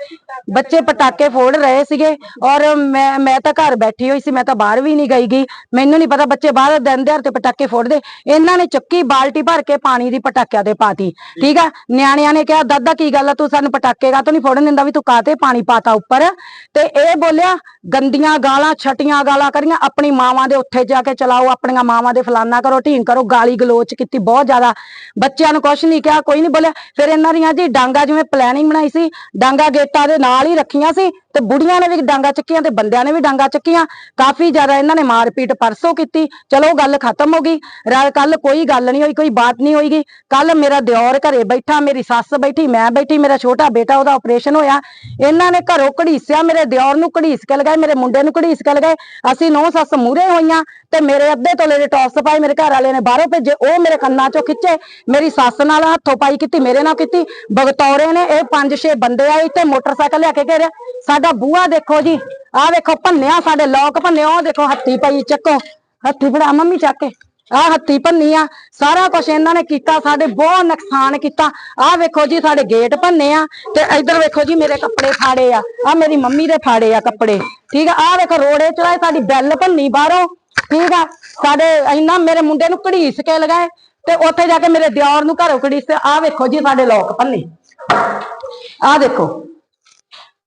S10: ਸੀਗੇ ਔਰ ਮੈਂ ਤਾਂ ਘਰ ਬੈਠੀ ਹੋਈ ਸੀ, ਮੈਂ ਤਾਂ ਬਾਹਰ ਵੀ ਨਹੀਂ ਗਈ। ਮੈਨੂੰ ਨਹੀਂ ਪਤਾ ਬੱਚੇ ਬਾਹਰ ਦਿਨ ਦਿਹਾੜੇ ਤੇ ਪਟਾਕੇ ਫੋੜਦੇ। ਇਹਨਾਂ ਨੇ ਚੱਕੀ ਬਾਲਟੀ ਭਰ ਕੇ ਪਾਣੀ ਦੀ ਪਟਾਕਿਆਂ ਦੇ ਪਾਤੀ। ਠੀਕ ਆ। ਨਿਆਣਿਆਂ ਨੇ ਕਿਹਾ ਦਾਦਾ ਕੀ ਗੱਲ ਆ, ਤੂੰ ਸਾਨੂੰ ਪਟਾਕੇ ਕਾਹਤੋਂ ਨਹੀਂ ਫੋੜਨ ਦਿੰਦਾ, ਵੀ ਤੂੰ ਕਾਹਤੇ ਪਾਣੀ ਪਾਤਾ ਉੱਪਰ। ਤੇ ਇਹ ਬੋਲਿਆ ਗੰਦੀਆਂ ਗਾਲਾਂ, ਛਟੀਆਂ ਗਾਲਾਂ ਕਰੀਆਂ। ਆਪਣੀ ਮਾਵਾਂ ਦੇ ਉੱਥੇ ਜਾ ਕੇ ਚਲਾਓ, ਆਪਣੀਆਂ ਮਾਵਾਂ ਦੇ ਫਲਾਨਾ ਕਰੋ, ਢੀਂਗ ਕਰੋ, ਗਾਲੀ ਗਲੋਚ ਕੀਤੀ ਬਹੁਤ ਜ਼ਿਆਦਾ। ਬੱਚਿਆਂ ਨੂੰ ਕੁਛ ਨਹੀਂ ਕਿਹਾ, ਕੋਈ ਨਹੀਂ ਬੋਲਿਆ। ਫਿਰ ਇਹਨਾਂ ਦੀਆਂ ਜੀ ਡਾਂਗਾ, ਜਿਵੇਂ ਪਲੈਨਿੰਗ ਬਣਾਈ ਸੀ, ਡਾਂਗਾ ਗੇਟਾਂ ਦੇ ਨਾਲ ਹੀ ਰੱਖੀਆਂ ਸੀ ਤੇ ਬੁੜੀਆਂ ਨੇ ਵੀ ਡਾਂਗਾ ਚੱਕੀਆਂ ਤੇ ਬੰਦਿਆਂ ਨੇ ਵੀ ਡਾਂਗਾ ਚੱਕੀਆਂ। ਕਾਫੀ ਜ਼ਿਆਦਾ ਇਹਨਾਂ ਨੇ ਮਾਰਪੀਟ ਪਰਸੋਂ ਕੀਤੀ। ਚਲੋ ਗੱਲ ਖਤਮ ਹੋ ਗਈ। ਕੱਲ ਕੋਈ ਗੱਲ ਨਹੀਂ ਹੋਈ, ਕੋਈ ਬਾਤ ਨਹੀਂ ਹੋਈਗੀ। ਕੱਲ ਮੇਰਾ ਦਿਓਰ ਘਰੇ ਬੈਠਾ, ਮੇਰੀ ਸੱਸ ਬੈਠੀ, ਮੈਂ ਬੈਠੀ, ਮੇਰਾ ਛੋਟਾ ਬੇਟਾ ਉਹਦਾ ਆਪਰੇਸ਼ਨ ਹੋਇਆ। ਇਹਨਾਂ ਨੇ ਘਰੋਂ ਘੜੀਸਿਆ, ਮੇਰੇ ਦਿਓਰ ਨੂੰ ਘੜੀਸ ਕੇ ਲਗਾਏ, ਮੇਰੇ ਮੁੰਡੇ ਨੂੰ ਘੜੀਸ ਕੇ ਲਗਾਏ। ਅਸੀਂ 9 ਸੱਸ ਮੂਹਰੇ ਹੋਈਆਂ ਤੇ ਮੇਰੇ ਅੱਧੇ ਤੋਲੇ ਦੇ ਟੌਪਸ ਪਾਏ ਮੇਰੇ ਘਰ ਵਾਲੇ ਨੇ ਬਾਹਰੋਂ ਭੇਜੇ, ਉਹ ਮੇਰੇ ਕੰਨਾਂ ਚੋਂ ਖਿੱਚੇ। ਮੇਰੀ ਸੱਸ ਨਾਲ ਹੱਥੋਂ ਪਾਈ ਕੀਤੀ, ਮੇਰੇ ਨਾਲ ਕੀਤੀ। ਬਗਤੌਰੇ ਨੇ ਇਹ 5-6 ਬੰਦੇ ਆਏ ਤੇ ਮੋਟਰਸਾਈਕਲ ਲਿਆ ਕੇ ਘੇਰਿਆ। ਸਾਡਾ ਬੂਹਾ ਦੇਖੋ ਜੀ, ਆਹ ਵੇਖੋ ਭੰਨਿਆ, ਸਾਡੇ ਲੋਕ ਭੰਨੇ। ਉਹ ਦੇਖੋ ਹੱਥੀ ਪਈ, ਚੱਕੋ ਹੱਥੀ, ਫੜਾ ਮੰਮੀ ਚੱਕ ਕੇ। ਆਹ ਹੱਥੀ ਭੰਨੀ ਆ। ਸਾਰਾ ਕੁਛ ਇਹਨਾਂ ਨੇ ਕੀਤਾ, ਸਾਡੇ ਬਹੁਤ ਨੁਕਸਾਨ ਕੀਤਾ। ਆਹ ਵੇਖੋ ਜੀ ਸਾਡੇ ਗੇਟ ਭੰਨੇ ਆ ਤੇ ਇੱਧਰ ਵੇਖੋ ਜੀ ਮੇਰੇ ਕੱਪੜੇ ਫਾੜੇ ਆ, ਆਹ ਮੇਰੀ ਮੰਮੀ ਦੇ ਫਾੜੇ ਆ ਕੱਪੜੇ। ਠੀਕ ਆ। ਆਹ ਵੇਖੋ ਰੋੜੇ ਚਲਾਏ, ਸਾਡੀ ਬੈਲ ਭੰਨੀ ਬਾਹਰੋਂ। ਠੀਕ ਆ। ਸਾਡੇ ਇੰਨਾ ਮੇਰੇ ਮੁੰਡੇ ਨੂੰ ਘੜੀਸ ਕੇ ਲਗਾਏ ਤੇ ਉੱਥੇ ਜਾ ਕੇ ਮੇਰੇ ਦਿਓਰ ਨੂੰ ਘਰੋਂ ਘੜੀਸ ਤੇ ਆਹ ਵੇਖੋ ਜੀ ਸਾਡੇ ਲੋਕ ਭੰਨੇ। ਆਹ ਦੇਖੋ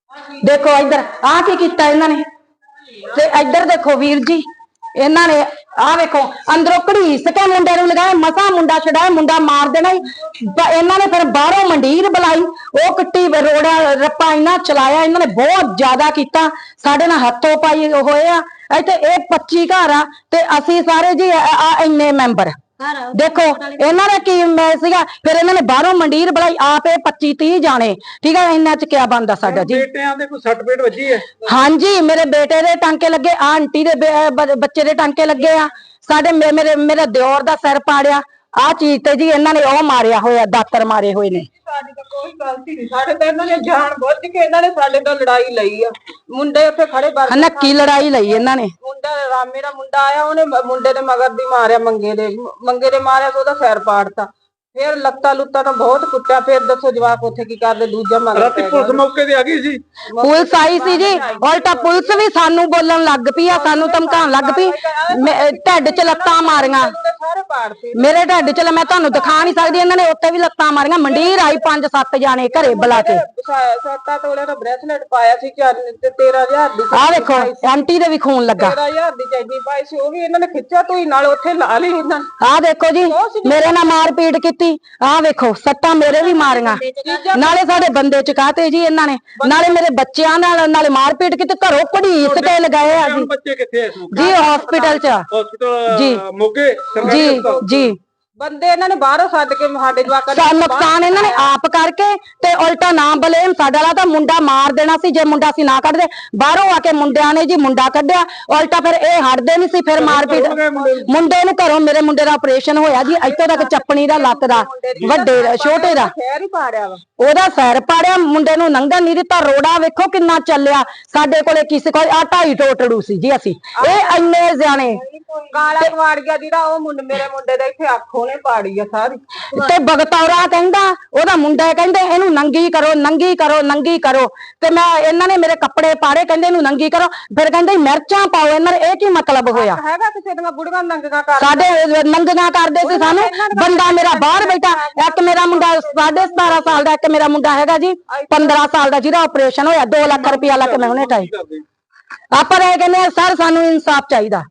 S10: ਇੱਧਰ ਆਹ ਕੀ ਕੀਤਾ ਇਹਨਾਂ ਨੇ। ਤੇ ਇੱਧਰ ਦੇਖੋ ਵੀਰ ਜੀ, ਇਹਨਾਂ ਨੇ ਆ ਵੇਖੋ ਅੰਦਰੋਂ ਘੜੀਸ ਕੇ ਮੁੰਡੇ ਨੂੰ ਲਗਾਇਆ, ਮਸਾ ਮੁੰਡਾ ਛਡਾਇਆ, ਮੁੰਡਾ ਮਾਰ ਦੇਣਾ ਹੀ। ਇਹਨਾਂ ਨੇ ਫਿਰ ਬਾਹਰੋਂ ਮੰਡੀਰ ਬੁਲਾਈ, ਉਹ ਕੱਟੀ ਰੋੜਾ ਰੱਪਾ ਇਹਨਾਂ ਚਲਾਇਆ, ਇਹਨਾਂ ਨੇ ਬਹੁਤ ਜ਼ਿਆਦਾ ਕੀਤਾ, ਸਾਡੇ ਨਾਲ ਹੱਥੋਂ ਪਾਈ ਹੋਏ ਆ। ਇੱਥੇ ਇਹ 25 ਘਰ ਆ ਤੇ ਅਸੀਂ ਸਾਰੇ ਜੀ ਇੰਨੇ ਮੈਂਬਰ ਦੇਖੋ। ਇਹਨਾਂ ਦਾ ਕੀ ਮੈਂ ਸੀਗਾ, ਫਿਰ ਇਹਨਾਂ ਨੇ ਬਾਹਰੋਂ ਮੰਡੀਰ ਬੁਲਾਈ, ਆਪ ਇਹ 25-30 ਜਾਣੇ, ਠੀਕ ਹੈ। ਇਹਨਾਂ ਚ ਕਿਆ ਬਣਦਾ ਸਾਡਾ ਜੀ।
S1: ਬੇਟਿਆਂ ਦੇ ਕੋਈ ਸੱਟ ਪੇਟ ਵੱਜੀ ਹੈ?
S10: ਹਾਂਜੀ, ਮੇਰੇ ਬੇਟੇ ਦੇ ਟਾਂਕੇ ਲੱਗੇ, ਆਂਟੀ ਦੇ ਬੱਚੇ ਦੇ ਟਾਂਕੇ ਲੱਗੇ ਆ, ਸਾਡੇ ਮੇਰੇ ਦਿਓਰ ਦਾ ਸਿਰ ਪਾੜਿਆ। ਆ ਚੀਜ਼ ਤੇ ਜੀ ਇਹਨਾਂ ਨੇ ਉਹ ਮਾਰਿਆ ਹੋਇਆ, ਦਾਤਰ ਮਾਰੇ ਹੋਏ ਨੇ।
S3: ਸਾਡੀ ਤਾਂ ਕੋਈ ਗਲਤੀ ਨਹੀਂ, ਸਾਡੇ ਤੇ ਇਹਨਾਂ ਨੇ ਜਾਣ ਬੁੱਝ ਕੇ ਇਹਨਾਂ ਨੇ ਸਾਡੇ ਤੋਂ ਲੜਾਈ ਲਈ ਆ। ਮੁੰਡੇ ਉੱਥੇ ਖੜੇ ਬਾਹਰ
S10: ਨੱਕੀ ਲੜਾਈ ਲਈ ਇਹਨਾਂ ਨੇ।
S3: ਮੁੰਡਾ ਰਾਮੇ ਦਾ ਮੁੰਡਾ ਆਇਆ, ਉਹਨੇ ਮੁੰਡੇ ਦੇ ਮਗਰ ਦੀ ਮਾਰਿਆ, ਮੰਗੇ ਦੇ ਮਾਰਿਆ ਤੇ ਉਹਦਾ ਸਿਰ ਪਾੜਤਾ। ਫਿਰ ਲੱਤਾਂ ਲੁੱਤਾਂ ਤਾਂ ਬਹੁਤ ਕੁੱਟਿਆ। ਫਿਰ ਦੱਸੋ ਜਵਾਕ ਉੱਥੇ ਕੀ ਕਰਦੇ, ਦੂਜਾ ਮਗਰ
S1: ਰਾਤੀ ਪੁਲਿਸ ਮੌਕੇ ਤੇ ਆ ਗਈ ਸੀ?
S10: ਪੁਲਿਸ ਆਈ ਸੀ ਜੀ, ਉਲਟਾ ਪੁਲਿਸ ਵੀ ਸਾਨੂੰ ਬੋਲਣ ਲੱਗ ਪਈ ਆ, ਸਾਨੂੰ ਧਮਕਾਉਣ ਲੱਗ ਪਈ। ਢਿੱਡ 'ਚ ਲੱਤਾਂ ਮਾਰੀਆਂ,
S3: ਸਾਰੇ ਪਾੜਤੇ
S10: ਮੇਰੇ ਢਿੱਡ 'ਚ, ਮੈਂ ਤੁਹਾਨੂੰ ਦਿਖਾ ਨਹੀਂ ਸਕਦੀ। ਇਹਨਾਂ ਨੇ ਉੱਤੇ ਵੀ ਲੱਤਾਂ ਮਾਰੀਆਂ। ਮੰਡੀਰ ਆਈ 5-7 ਜਾਣੇ ਘਰੇ ਬੁਲਾ ਕੇ।
S3: 7 ਤੋਲੇ ਦਾ ਬ੍ਰੈਸਲੇਟ ਪਾਇਆ ਸੀ ਤੇ 13,000 ਦੀ।
S10: ਆ ਵੇਖੋ ਆਂਟੀ ਦੇ ਵੀ ਖੂਨ ਲੱਗਾ।
S3: 13,000 ਦੀ ਚੈਨੀ ਪਾਈ ਸੀ, ਉਹ ਵੀ ਇਹਨਾਂ ਨੇ ਖਿੱਚਿਆ ਧੂਈ ਨਾਲ ਉੱਥੇ ਲਾ ਲਈ ਇਹਨਾਂ ਨੇ।
S10: ਆ ਦੇਖੋ ਜੀ, ਮੇਰੇ ਨਾਲ ਮਾਰ ਪੀਟ ਕੀਤੀ। ਆ ਵੇਖੋ ਸੱਟਾਂ ਮੇਰੇ ਵੀ ਮਾਰੀਆਂ, ਨਾਲੇ ਸਾਡੇ ਬੰਦੇ ਚਕਾਤੇ ਜੀ ਇਹਨਾਂ ਨੇ, ਨਾਲੇ ਮੇਰੇ ਬੱਚਿਆਂ ਨਾਲ ਨਾਲੇ ਮਾਰ ਪੀਟ ਕੀਤੀ। ਘਰੋਂ ਘੜੀਸ ਕੇ ਲਗਾਏ ਆ ਜੀ।
S1: ਬੱਚੇ ਕਿੱਥੇ ਐ?
S10: ਜੀ ਹਸਪੀਟਲ 'ਚ।
S1: ਹਸਪੀਟਲ
S10: ਜੀ
S1: ਮੋਗੇ
S10: ਜੀ ਜੀ।
S3: ਬੰਦੇ ਇਹਨਾਂ ਨੇ ਬਾਹਰੋਂ ਸੱਦ ਕੇ ਸਾਡੇ ਜਵਾਕਾਂ
S10: ਦਾ ਨੁਕਸਾਨ ਇਹਨਾਂ ਨੇ ਆਪ ਕਰਕੇ ਤੇ ਉਲਟਾ ਨਾ ਬਲੇਮ ਸਾਡਾ ਲਾ ਤਾਂ ਮੁੰਡਾ ਮਾਰ ਦੇਣਾ ਸੀ ਜੇ ਮੁੰਡਾ ਸੀ ਨਾ ਕੱਢਦੇ। ਬਾਹਰੋਂ ਆ ਕੇ ਮੁੰਡਿਆਂ ਨੇ ਜੀ ਮੁੰਡਾ ਕੱਢਿਆ, ਉਲਟਾ ਫਿਰ ਇਹ ਹਟਦੇ ਨਹੀਂ ਸੀ। ਫਿਰ ਮਾਰਪੀਟ ਮੁੰਡੇ ਨੂੰ ਘਰੋਂ, ਮੇਰੇ ਮੁੰਡੇ ਦਾ ਆਪਰੇਸ਼ਨ ਹੋਇਆ ਜੀ, ਇੱਥੋਂ ਤੱਕ ਚੱਪਣੀ ਦਾ, ਲੱਤ ਦਾ, ਵੱਡੇ ਛੋਟੇ ਦਾ
S3: ਖੈਰ ਹੀ ਪਾੜਿਆ ਵਾ।
S10: ਉਹਦਾ ਸਿਰ ਪਾੜਿਆ, ਮੁੰਡੇ ਨੂੰ ਲੰਘਣ ਨਹੀਂ ਦਿੱਤਾ। ਰੋੜਾ ਵੇਖੋ ਕਿੰਨਾ ਚੱਲਿਆ। ਸਾਡੇ ਕੋਲੇ ਕਿਸੇ ਕੋਲ 2.5 ਟੋਟੜੂ ਸੀ ਜੀ। ਅਸੀਂ ਇਹ ਇੰਨੇ ਜਾਣੇ
S3: ਕਾਲਾ ਕਵਾੜ ਗਿਆ ਜਿਹੜਾ, ਉਹ ਮੁੰਡੇ ਮੇਰੇ ਮੁੰਡੇ ਦਾ ਇੱਥੇ ਅੱਖੋਂ ਨੇ ਪਾੜੀ ਆ ਸਾਰੀ।
S10: ਤੇ ਬਗਤੌਰਾ ਕਹਿੰਦਾ, ਉਹਦਾ ਮੁੰਡਾ ਕਹਿੰਦੇ ਇਹਨੂੰ ਨੰਗੀ ਕਰੋ, ਨੰਗੀ ਕਰੋ, ਨੰਗੀ ਕਰੋ। ਤੇ ਮੈਂ ਇਹਨਾਂ ਨੇ ਮੇਰੇ ਕੱਪੜੇ ਪਾੜੇ, ਕਹਿੰਦੇ ਇਹਨੂੰ ਨੰਗੀ ਕਰੋ। ਫਿਰ ਕਹਿੰਦੇ ਮਿਰਚਾਂ ਪਾਓ ਇਹਨਾਂ ਦੇ। ਇਹ ਕੀ ਮਤਲਬ ਹੋਇਆ?
S3: ਹੈਗਾ ਕਿਸੇ ਦੀਆਂ ਬੁੜੀਆਂ ਨੰਗੀਆਂ ਕਰ
S10: ਸਾਡੇ ਨੰਗੀਆਂ ਕਰਦੇ ਸੀ ਸਾਨੂੰ। ਬੰਦਾ ਮੇਰਾ ਬਾਹਰ ਬੈਠਾ, ਇੱਕ ਮੇਰਾ ਮੁੰਡਾ 17.5 ਸਾਲ ਦਾ, ਇੱਕ ਮੇਰਾ ਮੁੰਡਾ ਹੈਗਾ ਜੀ 15 ਸਾਲ ਦਾ, ਜਿਹਦਾ ਆਪਰੇਸ਼ਨ ਹੋਇਆ। 2 ਲੱਖ ਰੁਪਇਆ ਲਾ ਕੇ ਮੈਂ ਹੁਣੇ ਟਾਈ। ਆਪਾਂ ਇਹ ਕਹਿੰਦੇ ਸਰ ਸਾਨੂੰ ਇਨਸਾਫ ਚਾਹੀਦਾ,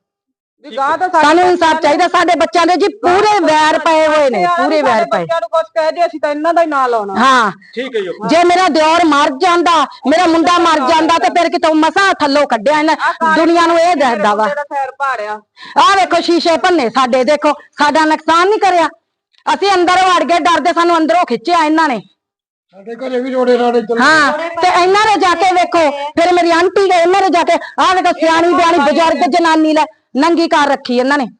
S10: ਸਾਨੂੰ ਇਨਸਾਫ ਚਾਹੀਦਾ। ਸਾਡੇ ਬੱਚਿਆਂ ਦੇ ਜੀ ਪੂਰੇ ਵੈਰ ਪਏ ਹੋਏ ਨੇ, ਪੂਰੇ ਵੈਰ ਪਏ।
S3: ਬੱਚਿਆਂ ਨੂੰ ਕੁਝ ਕਹਿ ਦੇ ਅਸੀਂ ਤਾਂ ਇਹਨਾਂ ਦਾ ਹੀ ਨਾਂ ਲਾਉਣਾ।
S10: ਹਾਂ
S1: ਠੀਕ ਹੈ ਜੀ।
S10: ਜੇ ਮੇਰਾ ਦਿਓਰ ਮਰ ਜਾਂਦਾ, ਮੇਰਾ ਮੁੰਡਾ ਮਰ ਜਾਂਦਾ, ਤੇ ਫਿਰ ਕਿਤੋਂ ਮਸਾਂ ਥੱਲੋਂ ਕੱਢਿਆ ਇਹਨਾਂ ਦੁਨੀਆ ਨੂੰ। ਇਹ ਦੱਸਦਾ ਵਾ।
S3: ਸਿਰ ਪਾੜਿਆ।
S10: ਆਹ ਵੇਖੋ ਸ਼ੀਸ਼ੇ ਭੰਨੇ ਸਾਡੇ, ਦੇਖੋ ਸਾਡਾ ਨੁਕਸਾਨ ਨਹੀਂ ਕਰਿਆ। ਅਸੀਂ ਅੰਦਰ ਵੜ ਗਏ ਡਰਦੇ, ਸਾਨੂੰ ਅੰਦਰੋਂ ਖਿੱਚਿਆ ਇਹਨਾਂ ਨੇ।
S6: ਸਾਡੇ ਘਰੇ ਵੀ ਰੋੜੇ ਰਾੜੇ
S10: ਹਾਂ ਤੇ ਇਹਨਾਂ ਨੇ ਜਾ ਕੇ ਵੇਖੋ, ਫਿਰ ਮੇਰੀ ਆਂਟੀ ਗਏ, ਇਹਨਾਂ ਨੇ ਜਾ ਕੇ ਆਹ ਵੇਖੋ ਸਿਆਣੀ ਬਿਆਣੀ ਬਜ਼ੁਰਗ ਜਨਾਨੀ ਲੈ ਨੰਗੀ ਕਰ ਰੱਖੀ ਇਹਨਾਂ ਨੇ।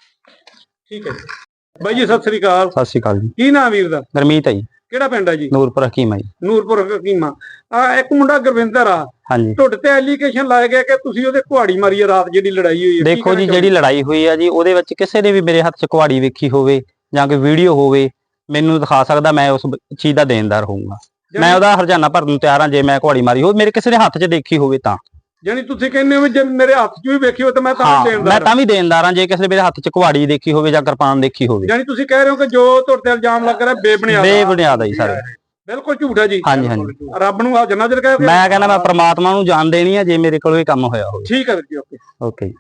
S1: ਠੀਕ ਹੈ ਬਾਈ ਜੀ, ਸਤਿ ਸ੍ਰੀ ਅਕਾਲ।
S11: ਸਤਿ ਸ਼੍ਰੀ ਅਕਾਲ ਜੀ।
S1: ਕੀ ਨਾਮ ਵੀਰ ਦਾ?
S11: ਗਰਮੀਤ ਹੈ ਜੀ।
S1: ਕਿਹੜਾ ਪਿੰਡ ਹੈ ਜੀ?
S11: ਨੂਰਪੁਰ ਹਕੀਮਾ ਜੀ।
S1: ਨੂਰਪੁਰ ਹਕੀਮਾ। ਇੱਕ ਮੁੰਡਾ ਗੁਰਵਿੰਦਰ ਆ,
S11: ਹਾਂਜੀ।
S1: ਤੁਹਾਡੇ ਤੇ ਐਲੀਗੇਸ਼ਨ ਲਾਇਆ ਗਿਆ ਕਿ ਤੁਸੀਂ ਉਹਦੇ ਕੁਹਾੜੀ ਮਾਰੀ ਆ ਰਾਤ, ਜਿਹੜੀ ਲੜਾਈ ਹੋਈ ਹੈ।
S11: ਦੇਖੋ ਜੀ, ਜਿਹੜੀ ਲੜਾਈ ਹੋਈ ਆ ਜੀ, ਉਹਦੇ ਵਿੱਚ ਕਿਸੇ ਨੇ ਵੀ ਮੇਰੇ ਹੱਥ 'ਚ ਕੁਹਾੜੀ ਵੇਖੀ ਹੋਵੇ ਜਾਂ ਕੋਈ ਵੀਡੀਓ ਹੋਵੇ, ਮੈਨੂੰ ਦਿਖਾ ਸਕਦਾ। ਮੈਂ ਉਸ ਚੀਜ਼ ਦਾ ਦੇਣਦਾਰ ਹੋਊਂਗਾ। ਮੈਂ ਉਹਦਾ ਹਰਜਾਨਾ ਭਰਨ ਨੂੰ ਤਿਆਰ ਹਾਂ ਜੇ ਮੈਂ ਕੁਹਾੜੀ ਮਾਰੀ ਹੋਵੇ, ਮੇਰੇ ਕਿਸੇ ਦੇ ਹੱਥ 'ਚ ਦੇਖੀ ਹੋਵੇ ਤਾਂ।
S1: ਜਾਨੀ ਤੁਸੀਂ ਕਹਿੰਦੇ ਹੋ ਜੇ ਮੇਰੇ ਹੱਥ 'ਚ ਵੀ ਵੇਖੀ ਹੋਵੇ ਤਾਂ ਮੈਂ ਤਾਂ ਦੇਣਦਾਰ।
S11: ਮੈਂ ਤਾਂ ਵੀ ਦੇਣਦਾਰ ਹਾਂ ਜੇ ਕਿਸੇ ਦੇ ਮੇਰੇ ਹੱਥ 'ਚ ਕੁਹਾੜੀ ਦੇਖੀ ਹੋਵੇ ਜਾਂ ਕਿਰਪਾਨ ਦੇਖੀ ਹੋਵੇ।
S1: ਜਾਨੀ ਤੁਸੀਂ ਕਹਿ ਰਹੇ ਹੋ ਕਿ ਜੋ ਤੁਹਾਡੇ ਤੇ ਇਲਜ਼ਾਮ ਲੱਗ ਰਿਹਾ
S11: ਬੇਬੁਨਿਆਦ ਹੈ ਜੀ ਸਾਰੇ।
S1: ਬਿਲਕੁਲ ਝੂਠ ਹੈ ਜੀ।
S11: ਹਾਂਜੀ ਹਾਂਜੀ।
S1: ਰੱਬ ਨੂੰ ਹਾਜ਼ਰ ਨਾਜ਼ਰ ਕਹਿ।
S11: ਮੈਂ ਕਹਿੰਦਾ ਮੈਂ ਪ੍ਰਮਾਤਮਾ ਨੂੰ ਜਾਣ ਦੇਣੀ ਆ ਜੇ ਮੇਰੇ ਕੋਲ ਇਹ ਕੰਮ ਹੋਇਆ ਹੋਵੇ।
S1: ਠੀਕ ਹੈ ਵੀਰ ਜੀ, ਓਕੇ
S11: ਓਕੇ।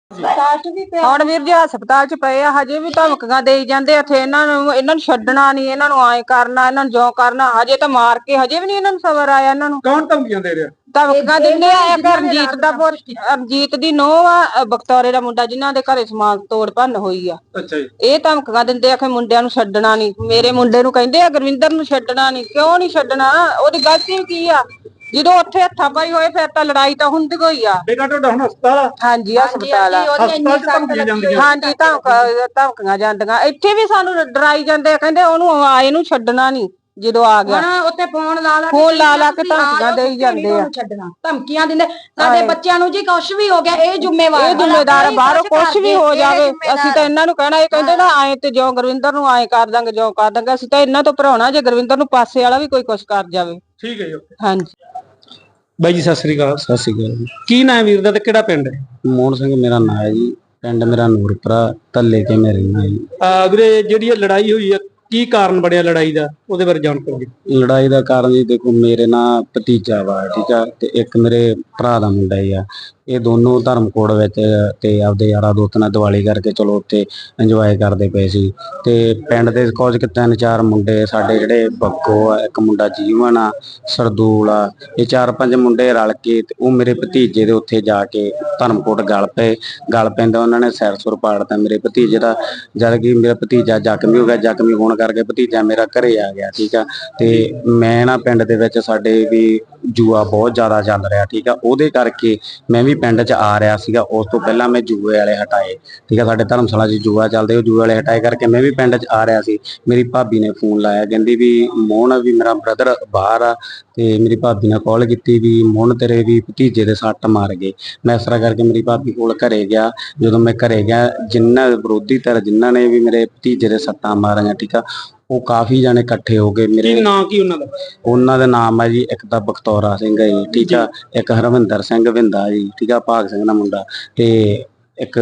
S3: ਹੁਣ ਵੀਰ ਜੀ ਹਸਪਤਾਲ 'ਚ ਪਏ ਆ, ਹਜੇ ਵੀ ਧਮਕੀਆਂ ਦੇਈ ਜਾਂਦੇ ਇੱਥੇ। ਇਹਨਾਂ ਨੂੰ ਛੱਡਣਾ ਨਹੀਂ, ਇਹਨਾਂ ਨੂੰ ਐਂ ਕਰਨਾ, ਇਹਨਾਂ ਨੂੰ ਜੋ ਕਰਨਾ। ਹਜੇ ਤਾਂ ਮਾਰ ਕੇ, ਹਜੇ ਵੀ ਨਹੀਂ ਇਹਨਾਂ ਨੂੰ ਸਬਰ ਆਇਆ। ਇਹਨਾਂ ਨੂੰ
S1: ਕੌਣ ਧਮਕੀਆਂ ਦੇ ਰਿਹਾ?
S3: ਧਮਕੀਆਂ ਦਿੰਦੇ ਆ। ਇੱਕ ਰਣਜੀਤ ਦੀ ਨੂੰਹ ਆ, ਬਖਤੌਰੇ ਦਾ ਮੁੰਡਾ, ਜਿਨ੍ਹਾਂ ਦੇ ਘਰੇ ਸਮਾਨ ਤੋੜ ਭੰਨ ਹੋਈ ਆ।
S1: ਅੱਛਾ ਜੀ।
S3: ਇਹ ਧਮਕੀਆਂ ਦਿੰਦੇ ਆ ਕਿ ਮੁੰਡਿਆਂ ਨੂੰ ਛੱਡਣਾ ਨਹੀਂ। ਮੇਰੇ ਮੁੰਡੇ ਨੂੰ ਕਹਿੰਦੇ ਆ ਗੁਰਵਿੰਦਰ ਨੂੰ ਛੱਡਣਾ ਨਹੀਂ। ਕਿਉਂ ਨਹੀਂ ਛੱਡਣਾ? ਉਹਦੀ ਗਲਤੀ ਕੀ ਆ? ਜਦੋਂ ਉੱਥੇ ਹੱਥਾਂ ਪਾਈ ਹੋਏ ਫਿਰ ਤਾਂ ਲੜਾਈ ਤਾਂ ਹੁੰਦੀ ਹੋਈ ਆ।
S1: ਬੇਟਾ ਤੁਹਾਡਾ ਹੁਣ ਹਸਪਤਾਲ ਆ?
S3: ਹਾਂਜੀ ਹਸਪਤਾਲ ਆ।
S1: ਹਾਂਜੀ
S3: ਧਮਕੀਆਂ ਜਾਂਦੀਆਂ। ਇੱਥੇ ਵੀ ਸਾਨੂੰ ਡਰਾਈ ਜਾਂਦੇ ਆ, ਕਹਿੰਦੇ ਉਹਨੂੰ ਆਏ ਨੂੰ ਛੱਡਣਾ ਨਹੀਂ। ਜਦੋਂ ਆ ਗਿਆ
S10: ਉੱਤੇ ਫੋਨ ਲਾ
S3: ਲਾ ਕੇ ਧਮਕੀਆਂ ਦੇਈ ਜਾਂਦੇ ਆ,
S10: ਧਮਕੀਆਂ ਦਿੰਦੇ। ਸਾਡੇ ਬੱਚਿਆਂ ਨੂੰ ਜੀ ਕੁਛ ਵੀ ਹੋ ਗਿਆ ਇਹ
S3: ਜ਼ਿੰਮੇਵਾਰ ਆ। ਬਾਹਰੋਂ ਕੁਛ ਵੀ ਹੋ ਜਾਵੇ ਅਸੀਂ ਤਾਂ ਇਹਨਾਂ ਨੂੰ ਕਹਿਣਾ। ਇਹ ਕਹਿੰਦੇ ਨਾ ਆਏ ਤੇ ਜੋ ਗੁਰਵਿੰਦਰ ਨੂੰ ਆਏ ਕਰ ਦਾਂਗੇ, ਜੋ ਕਰ ਦਾਂਗੇ। ਅਸੀਂ ਤਾਂ ਇਹਨਾਂ ਤੋਂ ਭਰਾਉਣਾ ਜੇ ਗੁਰਵਿੰਦਰ ਨੂੰ ਪਾਸੇ ਵਾਲਾ ਵੀ ਕੋਈ ਕੁਛ ਕਰ ਜਾਵੇ।
S1: ਠੀਕ ਹੈ ਜੀ।
S3: ਹਾਂਜੀ
S1: ਬਾਈ ਜੀ, ਸਤਿ ਸ੍ਰੀ ਅਕਾਲ।
S11: ਸਤਿ ਸ਼੍ਰੀ ਅਕਾਲ ਜੀ।
S1: ਕੀ ਨਾਮ ਵੀਰ ਦਾ ਤੇ ਕਿਹੜਾ ਪਿੰਡ ਹੈ?
S11: ਮੋਹਨ ਸਿੰਘ ਮੇਰਾ ਨਾਂ ਹੈ ਜੀ। ਪਿੰਡ ਮੇਰਾ ਨੂਰਪੁਰਾ, ਧੱਲੇ ਕੇ ਮੈਂ ਰਹਿਣਾ ਜੀ।
S1: ਵੀਰੇ, ਜਿਹੜੀ ਇਹ ਲੜਾਈ ਹੋਈ ਆ, ਕੀ ਕਾਰਨ ਬਣਿਆ ਲੜਾਈ ਦਾ, ਉਹਦੇ ਬਾਰੇ ਜਾਣਕਾਰੀ।
S11: ਲੜਾਈ ਦਾ ਕਾਰਨ ਜੀ ਦੇਖੋ, ਮੇਰੇ ਨਾਲ ਭਤੀਜਾ ਵਾ, ਠੀਕ ਆ, ਤੇ ਇੱਕ ਮੇਰੇ ਭਰਾ ਦਾ ਮੁੰਡਾ ਹੀ ਆ। ਇਹ ਦੋਨੋਂ ਧਰਮਕੋਟ ਵਿੱਚ ਤੇ ਆਪਦੇ ਯਾਰਾਂ ਦੋਸਤਾਂ ਨਾਲ ਦੀਵਾਲੀ ਕਰਕੇ ਚਲੋ ਉੱਥੇ ਇੰਜੋਏ ਕਰਦੇ ਪਏ ਸੀ। ਤੇ ਪਿੰਡ ਦੇ ਕੁਝ ਕੁ 3-4 ਮੁੰਡੇ ਸਾਡੇ ਜਿਹੜੇ ਬੱਗੋ ਆ, ਇੱਕ ਮੁੰਡਾ ਜੀਵਨ ਆ, ਸਰਦੂਲ ਆ, ਇਹ 4-5 ਮੁੰਡੇ ਰਲ ਕੇ ਤੇ ਉਹ ਮੇਰੇ ਭਤੀਜੇ ਦੇ ਉੱਥੇ ਜਾ ਕੇ ਧਰਮਕੋਟ ਗਲ ਪੈਂਦਾ ਉਹਨਾਂ ਨੇ ਸਿਰ ਸੁਰ ਪਾੜਤਾ ਮੇਰੇ ਭਤੀਜੇ ਦਾ। ਜਦ ਕਿ ਮੇਰਾ ਭਤੀਜਾ ਜ਼ਖਮੀ ਹੋ ਗਿਆ, ਜ਼ਖਮੀ ਹੋਣ ਕਰਕੇ ਭਤੀਜਾ ਮੇਰਾ ਘਰੇ ਆ ਗਿਆ। ਠੀਕ ਆ, ਤੇ ਮੈਂ ਨਾ ਪਿੰਡ ਦੇ ਵਿੱਚ ਸਾਡੇ ਵੀ ਜੂਆ ਬਹੁਤ ਜ਼ਿਆਦਾ ਚੱਲ ਰਿਹਾ। ਠੀਕ ਆ, ਉਹਦੇ ਕਰਕੇ ਮੈਂ ਵੀ ਪਿੰਡ 'ਚ ਆ ਰਿਹਾ ਸੀਗਾ। ਉਸ ਤੋਂ ਪਹਿਲਾਂ ਮੈਂ ਜੂਏ ਵਾਲੇ ਹਟਾਏ। ਠੀਕ ਆ, ਸਾਡੇ ਧਰਮਸ਼ਾਲਾ 'ਚ ਜੂਆ ਚੱਲਦੇ, ਉਹ ਜੂਏ ਵਾਲੇ ਹਟਾਏ ਕਰਕੇ ਮੈਂ ਵੀ ਪਿੰਡ 'ਚ ਆ ਰਿਹਾ ਸੀ। ਮੇਰੀ ਭਾਬੀ ਨੇ ਫੋਨ ਲਾਇਆ, ਕਹਿੰਦੀ ਵੀ ਮੋਹਨ ਵੀ ਮੇਰਾ ਬ੍ਰਦਰ ਬਾਹਰ ਆ, ਤੇ ਮੇਰੀ ਭਾਬੀ ਨੇ ਕਾਲ ਕੀਤੀ ਵੀ ਮੋਹਨ ਤੇਰੇ ਵੀ ਭਤੀਜੇ ਦੇ ਸੱਟ ਮਾਰ ਗਏ। ਮੈਂ ਇਸ ਤਰ੍ਹਾਂ ਕਰਕੇ ਮੇਰੀ ਭਾਬੀ ਕੋਲ ਘਰੇ ਗਿਆ। ਜਦੋਂ ਮੈਂ ਘਰੇ ਗਿਆ, ਜਿਨ੍ਹਾਂ ਵਿਰੋਧੀ ਧਿਰ ਜਿਨ੍ਹਾਂ ਨੇ ਵੀ ਮੇਰੇ ਭਤੀਜੇ ਦੇ ਸੱਟਾਂ ਮਾਰੀਆਂ, ਠੀਕ ਆ, ਉਹ ਕਾਫੀ ਜਾਣੇ ਇਕੱਠੇ ਹੋ ਗਏ। ਮੇਰੇ
S2: ਨਾਂ ਕੀ ਉਹਨਾਂ ਦਾ?
S11: ਉਹਨਾਂ ਦਾ ਨਾਮ ਹੈ ਜੀ, ਇੱਕ ਤਾਂ ਬਖਤੌਰਾ ਸਿੰਘ ਹੈ ਜੀ, ਠੀਕ ਆ, ਇੱਕ ਹਰਵਿੰਦਰ ਸਿੰਘ ਵਿੰਦਾ ਜੀ, ਠੀਕ ਆ, ਭਾਗ ਸਿੰਘ ਦਾ ਮੁੰਡਾ, ਤੇ ਇੱਕ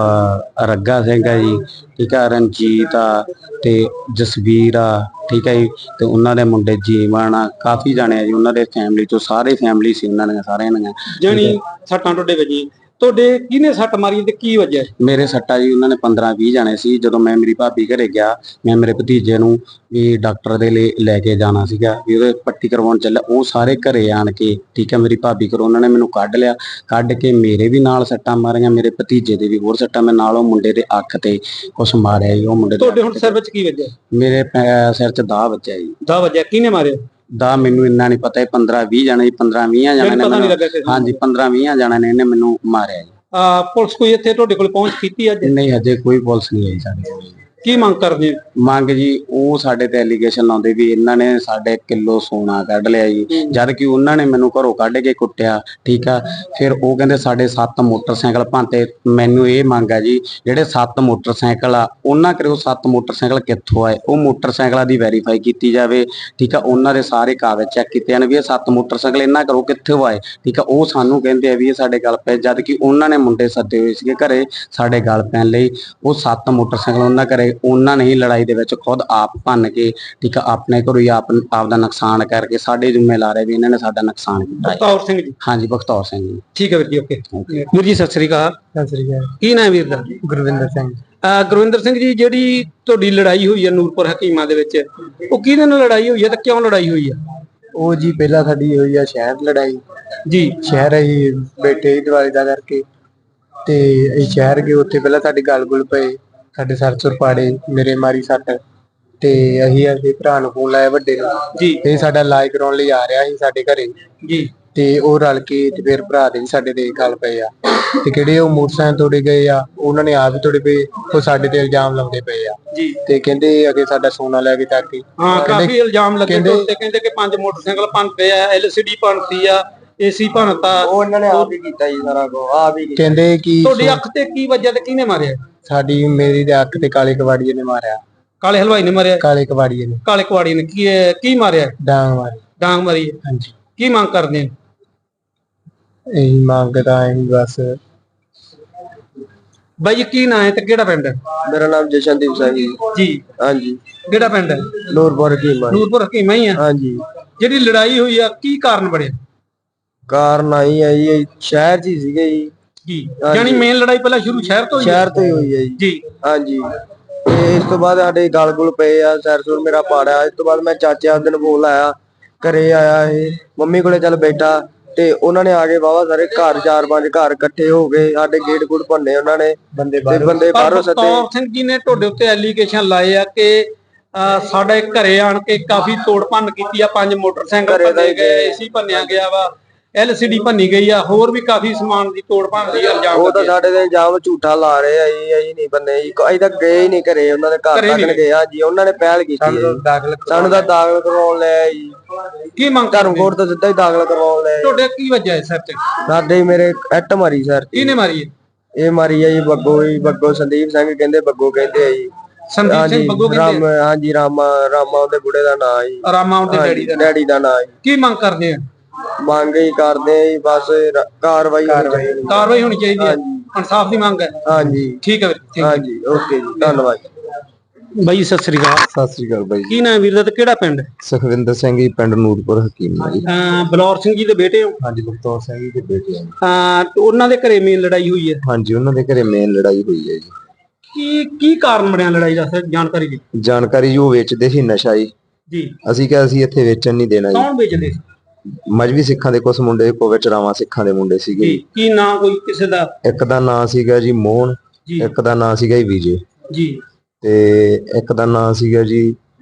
S11: ਰੱਗਾ ਸਿੰਘ ਹੈ ਜੀ, ਠੀਕ ਆ, ਰਣਜੀਤ ਆ, ਤੇ ਜਸਵੀਰ ਆ, ਠੀਕ ਹੈ ਜੀ, ਤੇ ਉਹਨਾਂ ਦੇ ਮੁੰਡੇ ਜੀਵਨ ਆ, ਕਾਫੀ ਜਾਣੇ ਆ ਜੀ ਉਹਨਾਂ ਦੇ ਫੈਮਿਲੀ ਚੋਂ, ਸਾਰੇ ਫੈਮਿਲੀ ਸੀ ਉਹਨਾਂ ਦੀਆਂ ਸਾਰਿਆਂ ਦੀਆਂ।
S2: ਜਾਣੀ ਸੱਟਾਂ ਤੁਹਾਡੇ ਵੱਜੀ, ਤੁਹਾਡੇ ਕਿਹਨੇ ਸੱਟ ਮਾਰੀ ਤੇ ਕੀ ਵਜ੍ਹਾ?
S11: ਮੇਰੇ ਸੱਟਾ ਜੀ ਉਹਨਾਂ ਨੇ 15-20 ਜਾਣੇ ਸੀ। ਜਦੋਂ ਮੈਂ ਮੇਰੀ ਭਾਬੀ ਘਰੇ ਗਿਆ, ਮੈਂ ਮੇਰੇ ਭਤੀਜੇ ਨੂੰ ਵੀ ਡਾਕਟਰ ਦੇ ਲਈ ਲੈ ਕੇ ਜਾਣਾ ਸੀਗਾ, ਵੀ ਉਹਦੇ ਪੱਟੀ ਕਰਵਾਉਣ ਚੱਲਿਆ, ਉਹ ਸਾਰੇ ਘਰੇ ਆਣ ਕੇ, ਠੀਕ ਹੈ, ਮੇਰੀ ਭਾਬੀ ਘਰੋਂ ਉਹਨਾਂ ਨੇ ਮੈਨੂੰ ਕੱਢ ਲਿਆ। ਕੱਢ ਕੇ ਮੇਰੇ ਵੀ ਨਾਲ ਸੱਟਾਂ ਮਾਰੀਆਂ, ਮੇਰੇ ਭਤੀਜੇ ਦੇ ਵੀ ਹੋਰ ਸੱਟਾਂ। ਮੈਂ ਨਾਲ ਉਹ ਮੁੰਡੇ ਦੇ ਅੱਖ ਤੇ ਕੁਛ ਮਾਰਿਆ ਜੀ। ਉਹ ਮੁੰਡੇ
S2: ਤੁਹਾਡੇ ਹੁਣ ਸਿਰ ਵਿੱਚ ਕੀ ਵੱਜਿਆ?
S11: ਮੇਰੇ ਸਿਰ 'ਚ ਦਾਅ ਵੱਜਿਆ ਜੀ।
S2: ਦਾਅ ਵੱਜਿਆ? ਕਿਹਨੇ ਮਾਰਿਆ
S11: ਦਾ? ਮੈਨੂੰ ਇੰਨਾ ਨਹੀਂ ਪਤਾ। 15-20 ਜਾਣੇ, 15-20 ਜਾਣੇ ਨੇ, ਹਾਂਜੀ 15-20 ਜਾਣੇ ਨੇ ਇਹਨੇ ਮੈਨੂੰ ਮਾਰਿਆ ਜੀ।
S2: ਪੁਲਿਸ ਕੋਈ ਇੱਥੇ ਤੁਹਾਡੇ ਕੋਲ ਪਹੁੰਚ ਕੀਤੀ ਅੱਜ?
S11: ਨਹੀਂ, ਹਜੇ ਕੋਈ ਪੁਲਿਸ ਨਹੀਂ ਆਈ ਸਾਡੇ ਕੋਲ।
S2: ਕੀ ਮੰਗ ਕਰਦੇ?
S11: ਮੰਗ ਜੀ, ਉਹ ਸਾਡੇ ਤੇ ਐਲੀਗੇਸ਼ਨ ਲਾਉਂਦੇ ਵੀ ਇਹਨਾਂ ਨੇ ਸਾਡੇ ਕਿਲੋ ਸੋਨਾ ਕੱਢ ਲਿਆ ਜੀ, ਜਦ ਕਿ ਉਹਨਾਂ ਨੇ ਮੈਨੂੰ ਘਰੋਂ ਕੱਢ ਕੇ ਕੁੱਟਿਆ। ਠੀਕ ਆ, ਫਿਰ ਉਹ ਕਹਿੰਦੇ ਸਾਡੇ 7 ਮੋਟਰਸਾਈਕਲ ਭੰਤੇ। ਮੈਨੂੰ ਇਹ ਮੰਗ ਆ ਜੀ, ਜਿਹੜੇ 7 ਮੋਟਰਸਾਈਕਲ ਆ, ਉਹਨਾਂ ਕਰੇ ਉਹ 7 ਮੋਟਰਸਾਈਕਲ ਕਿੱਥੋਂ ਆਏ, ਉਹ ਮੋਟਰਸਾਈਕਲਾਂ ਦੀ ਵੈਰੀਫਾਈ ਕੀਤੀ ਜਾਵੇ। ਠੀਕ ਆ, ਉਹਨਾਂ ਦੇ ਸਾਰੇ ਕਾਗਜ਼ ਚੈੱਕ ਕੀਤੇ ਜਾਣ ਵੀ ਇਹ 7 ਮੋਟਰਸਾਈਕਲ ਇਹਨਾਂ ਘਰੋਂ ਕਿੱਥੋਂ ਆਏ। ਠੀਕ ਆ, ਉਹ ਸਾਨੂੰ ਕਹਿੰਦੇ ਆ ਵੀ ਇਹ ਸਾਡੇ ਗੱਲ ਪਏ, ਜਦ ਕਿ ਉਹਨਾਂ ਨੇ ਮੁੰਡੇ ਸੱਦੇ ਹੋਏ ਸੀਗੇ ਘਰੇ ਸਾਡੇ ਗੱਲ ਪੈਣ ਲਈ। ਉਹ 7 ਮੋਟਰਸਾਈਕਲ ਉਹਨਾਂ ਘਰੇ, ਉਹਨਾਂ ਨੇ ਹੀ ਲੜਾਈ ਦੇ ਵਿੱਚ ਖੁਦ ਆਪ ਭੰਨ ਕੇ, ਠੀਕ ਆ, ਆਪਣੇ ਘਰੋਂ ਹੀ ਆਪ ਦਾ ਨੁਕਸਾਨ ਕਰਕੇ ਸਾਡੇ ਜ਼ਿੰਮੇ ਲਾ ਰਹੇ ਵੀ ਇਹਨਾਂ ਨੇ ਸਾਡਾ ਨੁਕਸਾਨ ਕੀਤਾ।
S2: ਬਖਤੌਰ ਸਿੰਘ ਜੀ?
S11: ਹਾਂਜੀ, ਬਖਤੌਰ ਸਿੰਘ ਜੀ।
S2: ਠੀਕ ਹੈ ਵੀਰ ਜੀ, ਓਕੇ। ਵੀਰ ਜੀ ਸਤਿ ਸ੍ਰੀ ਅਕਾਲ।
S12: ਸਤਿ ਸ੍ਰੀ ਅਕਾਲ।
S2: ਕੀ ਨਾਮ ਵੀਰ ਦਾ?
S12: ਗੁਰਵਿੰਦਰ ਸਿੰਘ।
S2: ਗੁਰਵਿੰਦਰ ਸਿੰਘ ਜੀ, ਜਿਹੜੀ ਤੁਹਾਡੀ ਲੜਾਈ ਹੋਈ ਹੈ ਨੂਰਪੁਰ ਹਕੀਮਾਂ ਦੇ ਵਿੱਚ, ਉਹ ਕਿਹਦੇ ਨਾਲ ਲੜਾਈ ਹੋਈ ਹੈ ਤੇ ਕਿਉਂ ਲੜਾਈ ਹੋਈ ਹੈ?
S12: ਉਹ ਜੀ ਪਹਿਲਾਂ ਸਾਡੀ ਹੋਈ ਆ ਸ਼ਹਿਰ ਲੜਾਈ
S2: ਜੀ।
S12: ਸ਼ਹਿਰ ਅਸੀਂ ਬੈਠੇ ਦੀਵਾਲੀ ਦਾ ਕਰਕੇ, ਤੇ ਅਸੀਂ ਸ਼ਹਿਰ ਗਏ, ਉੱਥੇ ਪਹਿਲਾਂ ਸਾਡੇ ਗਲ ਗੁਲ ਪਏ, ਸਾਡੇ ਸਰ ਸੁਰ ਪਾੜੇ, ਮੇਰੇ ਮਾਰੀ ਸੱਟ, ਤੇ ਅਸੀਂ ਆਪਣੇ ਭਰਾ ਨੂੰ ਫੋਨ ਲਾਇਆ ਵੱਡੇ ਨੂੰ
S2: ਜੀ,
S12: ਇਹ ਸਾਡਾ ਇਲਾਜ ਕਰਾਉਣ ਲਈ ਆ ਰਿਹਾ ਸੀ ਸਾਡੇ ਘਰੇ
S2: ਜੀ,
S12: ਤੇ ਉਹ ਰਲ ਕੇ ਤੇ ਫਿਰ ਭਰਾ ਦੇ ਵੀ ਸਾਡੇ ਤੇ ਗੱਲ ਪਏ ਆ, ਤੇ ਕਿਹੜੇ ਉਹ ਮੋਟਰਸਾਈਕਲ ਤੋੜੇ ਗਏ ਆ, ਉਹਨਾਂ ਨੇ ਆਪ ਹੀ ਤੋੜੇ ਪਏ, ਉਹ ਸਾਡੇ ਤੇ ਇਲਜ਼ਾਮ ਲਾਉਂਦੇ ਪਏ ਆ
S2: ਜੀ,
S12: ਤੇ ਕਹਿੰਦੇ ਅਗੇ ਸਾਡਾ ਸੋਨਾ ਲੈ ਕੇ ਚੱਕ ਕੇ।
S2: ਹਾਂ, ਕਾਫੀ ਇਲਜ਼ਾਮ ਲੱਗੇ ਤੇ ਕਹਿੰਦੇ ਕਿ 5 ਮੋਟਰਸਾਈਕਲ ਭੰਨਤੇ ਆ, LCD ਭੰਨਤੀ ਆ, AC ਭੰਨਤਾ।
S12: ਉਹ ਇਹਨਾਂ ਨੇ ਆਪ ਹੀ ਕੀਤਾ ਜੀ ਸਾਰਾ ਕੁਝ, ਆਪ ਹੀ ਕਹਿੰਦੇ ਕਿ
S2: ਤੁਹਾਡੀ ਅੱਖ ਤੇ ਕੀ ਵੱਜਿਆ ਤੇ ਕਿਹਨੇ ਮਾਰਿਆ?
S12: ਸਾਡੀ ਮੇਰੀ ਦੇ ਅੱਖ ਤੇ ਕਾਲੇ ਕਵਾੜੀਏ ਨੇ ਮਾਰਿਆ।
S2: ਕਾਲੇ ਹਲਵਾਈ ਨੇ ਮਾਰਿਆ?
S12: ਕਾਲੇ ਕਵਾੜੀਏ ਨੇ।
S2: ਕਾਲੇ ਕਵਾੜੀਏ ਨੇ ਕੀ ਮਾਰਿਆ?
S12: ਡਾਂਗ ਮਾਰੀ।
S2: ਡਾਂਗ ਮਾਰੀ?
S12: ਹਾਂਜੀ।
S2: ਕੀ ਮੰਗ ਕਰਦੇ ਆ?
S12: ਇਹੀ ਮੰਗਦਾ ਹੈ ਬਸ।
S2: ਬਾਈ ਕੀ ਨਾਂ ਹੈ ਤੇ ਕਿਹੜਾ ਪਿੰਡ ਹੈ?
S12: ਮੇਰਾ ਨਾਮ ਜਸ਼ਨਦੀਪ ਸਿੰਘ
S2: ਜੀ।
S12: ਹਾਂਜੀ।
S2: ਕਿਹੜਾ ਪਿੰਡ ਹੈ?
S12: ਨੂਰਪੁਰ ਹਕੀਮਾਂ।
S2: ਨੂਰਪੁਰ ਹਕੀਮਾਂ ਹੀ ਆ?
S12: ਹਾਂਜੀ।
S2: ਜਿਹੜੀ ਲੜਾਈ ਹੋਈ ਆ, ਕੀ ਕਾਰਨ ਬਣਿਆ?
S12: ਕਾਰਨ ਆਈ ਹੈ ਜੀ, ਸ਼ਹਿਰ 'ਚ ਹੀ ਸੀਗੇ
S2: ਜੀ। ਯਾਨੀ ਮੇਨ ਲੜਾਈ ਪਹਿਲਾਂ ਸ਼ੁਰੂ ਸ਼ਹਿਰ ਤੋਂ
S12: ਹੀ ਹੋਈ ਹੈ
S2: ਜੀ।
S12: ਹਾਂਜੀ। ਤੇ ਇਸ ਤੋਂ ਬਾਅਦ ਸਾਡੇ ਗਲ ਗੁਲ ਪਏ ਆ, ਸਿਰ ਸੁਰ ਮੇਰਾ ਪਾੜਿਆ। ਇਸ ਤੋਂ ਬਾਅਦ ਮੈਂ ਚਾਚੇ ਆਪਦੇ ਨੂੰ ਫੋਨ ਲਾਇਆ, ਘਰੇ ਆਇਆ, ਇਹ ਮੰਮੀ ਕੋਲੇ ਚੱਲ ਬੈਠਾ, ਤੇ ਉਹਨਾਂ ਨੇ ਆ ਕੇ ਵਾਵਾ ਸਾਰੇ ਘਰ 4-5 ਘਰ ਇਕੱਠੇ ਹੋ ਗਏ, ਸਾਡੇ ਗੇਟ ਗੁੱਟ ਭੰਨੇ ਉਹਨਾਂ ਨੇ, ਬੰਦੇ ਬਾਹਰੋਂ ਸੱਦੇ।
S2: ਬਖਤੌਰ ਸਿੰਘ ਜੀ ਨੇ ਤੁਹਾਡੇ ਉੱਤੇ ਐਲੀਗੇਸ਼ਨ ਲਾਏ ਆ ਕਿ ਸਾਡੇ ਘਰੇ ਆਣ ਕੇ ਕਾਫੀ ਤੋੜ ਭੰਨ ਕੀਤੀ ਆ, 5 ਮੋਟਰਸਾਈਕਲ ਭੰਨੇ ਗਏ, AC ਭੰਨਿਆ ਗਿਆ ਵਾ, LCD ਭੰਨੀ ਗਈ ਆ, ਹੋਰ ਵੀ ਕਾਫੀ ਸਮਾਨ ਦੀ ਤੋੜ ਭੰਨ ਦੀ ਇਲਜ਼ਾਮ।
S12: ਉਹ ਤਾਂ ਸਾਡੇ ਤੇ ਇਲਜ਼ਾਮ ਝੂਠਾ ਲਾ ਰਹੇ ਆ ਜੀ, ਅਸੀਂ ਨਹੀਂ ਬੰਦੇ ਜੀ, ਅਸੀਂ ਤਾਂ ਗਏ ਹੀ ਨਹੀਂ ਘਰੇ, ਉਹਨਾਂ ਦੇ ਘਰ ਤੱਕ ਗਏ ਆ ਜੀ, ਉਹਨਾਂ ਨੇ ਪਹਿਲ ਕੀਤੀ। ਸਾਨੂੰ ਤਾਂ ਦਾਖਲ ਕਰਵਾਉਣ ਲਿਆ ਜੀ।
S2: ਕੀ ਮੰਗ?
S12: ਧਰਮਕੋਟ ਤੋਂ ਸਿੱਧਾ ਹੀ ਦਾਖਲ ਕਰਵਾਉਣ ਲਿਆ।
S2: ਤੁਹਾਡੇ ਕੀ ਵਜ੍ਹਾ ਸਿਰ ਤੇ?
S12: ਸਾਡੇ ਮੇਰੇ ਇੱਟ ਮਾਰੀ ਸਰ।
S2: ਕਿਹਨੇ ਮਾਰੀ ਹੈ?
S12: ਇਹ ਮਾਰੀ ਆ ਜੀ ਬੱਗੋ ਸੰਦੀਪ ਸਿੰਘ ਕਹਿੰਦੇ, ਬੱਗੋ ਕਹਿੰਦੇ ਆ ਜੀ।
S2: ਸੰਦੀਪ ਸਿੰਘ ਬੱਗੋ ਕਹਿੰਦੇ?
S12: ਹਾਂਜੀ, ਰਾਮਾ ਉਹਦੇ ਬੁੜੇ ਦਾ ਨਾਂ ਜੀ।
S2: ਰਾਮਾ ਉਹਦੇ
S12: ਡੈਡੀ ਦਾ ਨਾਂ ਜੀ।
S2: ਕੀ ਮੰਗ ਕਰਦੇ ਆ?
S12: ਮੰਗ ਹੀ ਕਰਦੇ ਆ ਜੀ, ਬਸ ਕਾਰਵਾਈ
S2: ਹੋਣੀ ਚਾਹੀਦੀ ਹੈ, ਇਨਸਾਫ ਦੀ ਮੰਗ ਹੈ।
S12: ਹਾਂਜੀ।
S2: ਠੀਕ ਹੈ।
S12: ਹਾਂਜੀ, ਓਕੇ ਜੀ, ਧੰਨਵਾਦ।
S2: ਬਾਈ ਸਤਿ ਸ੍ਰੀ ਅਕਾਲ।
S7: ਸਤਿ ਸ੍ਰੀ ਅਕਾਲ ਬਾਈ।
S2: ਕੀ ਨਾਮ ਵੀਰ ਦਾ ਤੇ ਕਿਹੜਾ ਪਿੰਡ?
S7: ਸੁਖਵਿੰਦਰ ਸਿੰਘ ਜੀ, ਪਿੰਡ ਨੂਰਪੁਰ ਹਕੀਮ ਜੀ।
S2: ਬਲੌਰ ਸਿੰਘ ਜੀ ਦੇ ਬੇਟੇ ਹੋ?
S7: ਹਾਂਜੀ, ਬਖਤੌਰ ਸਿੰਘ ਜੀ ਦੇ ਬੇਟੇ
S2: ਉਹਨਾਂ ਦੇ ਘਰੇ ਮੇਨ ਲੜਾਈ ਹੋਈ ਹੈ?
S7: ਹਾਂਜੀ, ਉਹਨਾਂ ਦੇ ਘਰੇ ਮੇਨ ਲੜਾਈ ਹੋਈ ਹੈ ਜੀ।
S2: ਕੀ ਕਾਰਨ ਬਣਿਆ ਲੜਾਈ ਦਾ, ਜਾਣਕਾਰੀ ਜੀ?
S7: ਜਾਣਕਾਰੀ ਜੀ, ਉਹ ਵੇਚਦੇ ਸੀ ਨਸ਼ਾ
S2: ਜੀ।
S7: ਅਸੀਂ ਕਿਹਾ ਅਸੀਂ ਇੱਥੇ ਵੇਚਣ ਨਹੀਂ ਦੇਣਾ ਜੀ।
S2: ਕੌਣ ਵੇਚਦੇ?
S7: ਮਜਬੀ ਸਿੱਖਾਂ ਦੇ ਕੁਝ ਮੁੰਡੇ, ਕੋਵਿਚ ਰਾਵਾਂ ਸਿੱਖਾਂ ਦੇ ਮੁੰਡੇ ਸੀਗੇ।
S2: ਕੀ ਨਾਂ ਕੋਈ ਕਿਸੇ ਦਾ?
S7: ਇੱਕ ਦਾ ਨਾਂ ਸੀਗਾ ਜੀ ਮੋਹਨ, ਇੱਕ ਦਾ ਨਾਂ ਸੀਗਾ ਜੀ ਵਿਜੇ
S2: ਜੀ,
S7: ਤੇ ਇੱਕ ਦਾ ਨਾਂ ਸੀਗਾ ਜੀ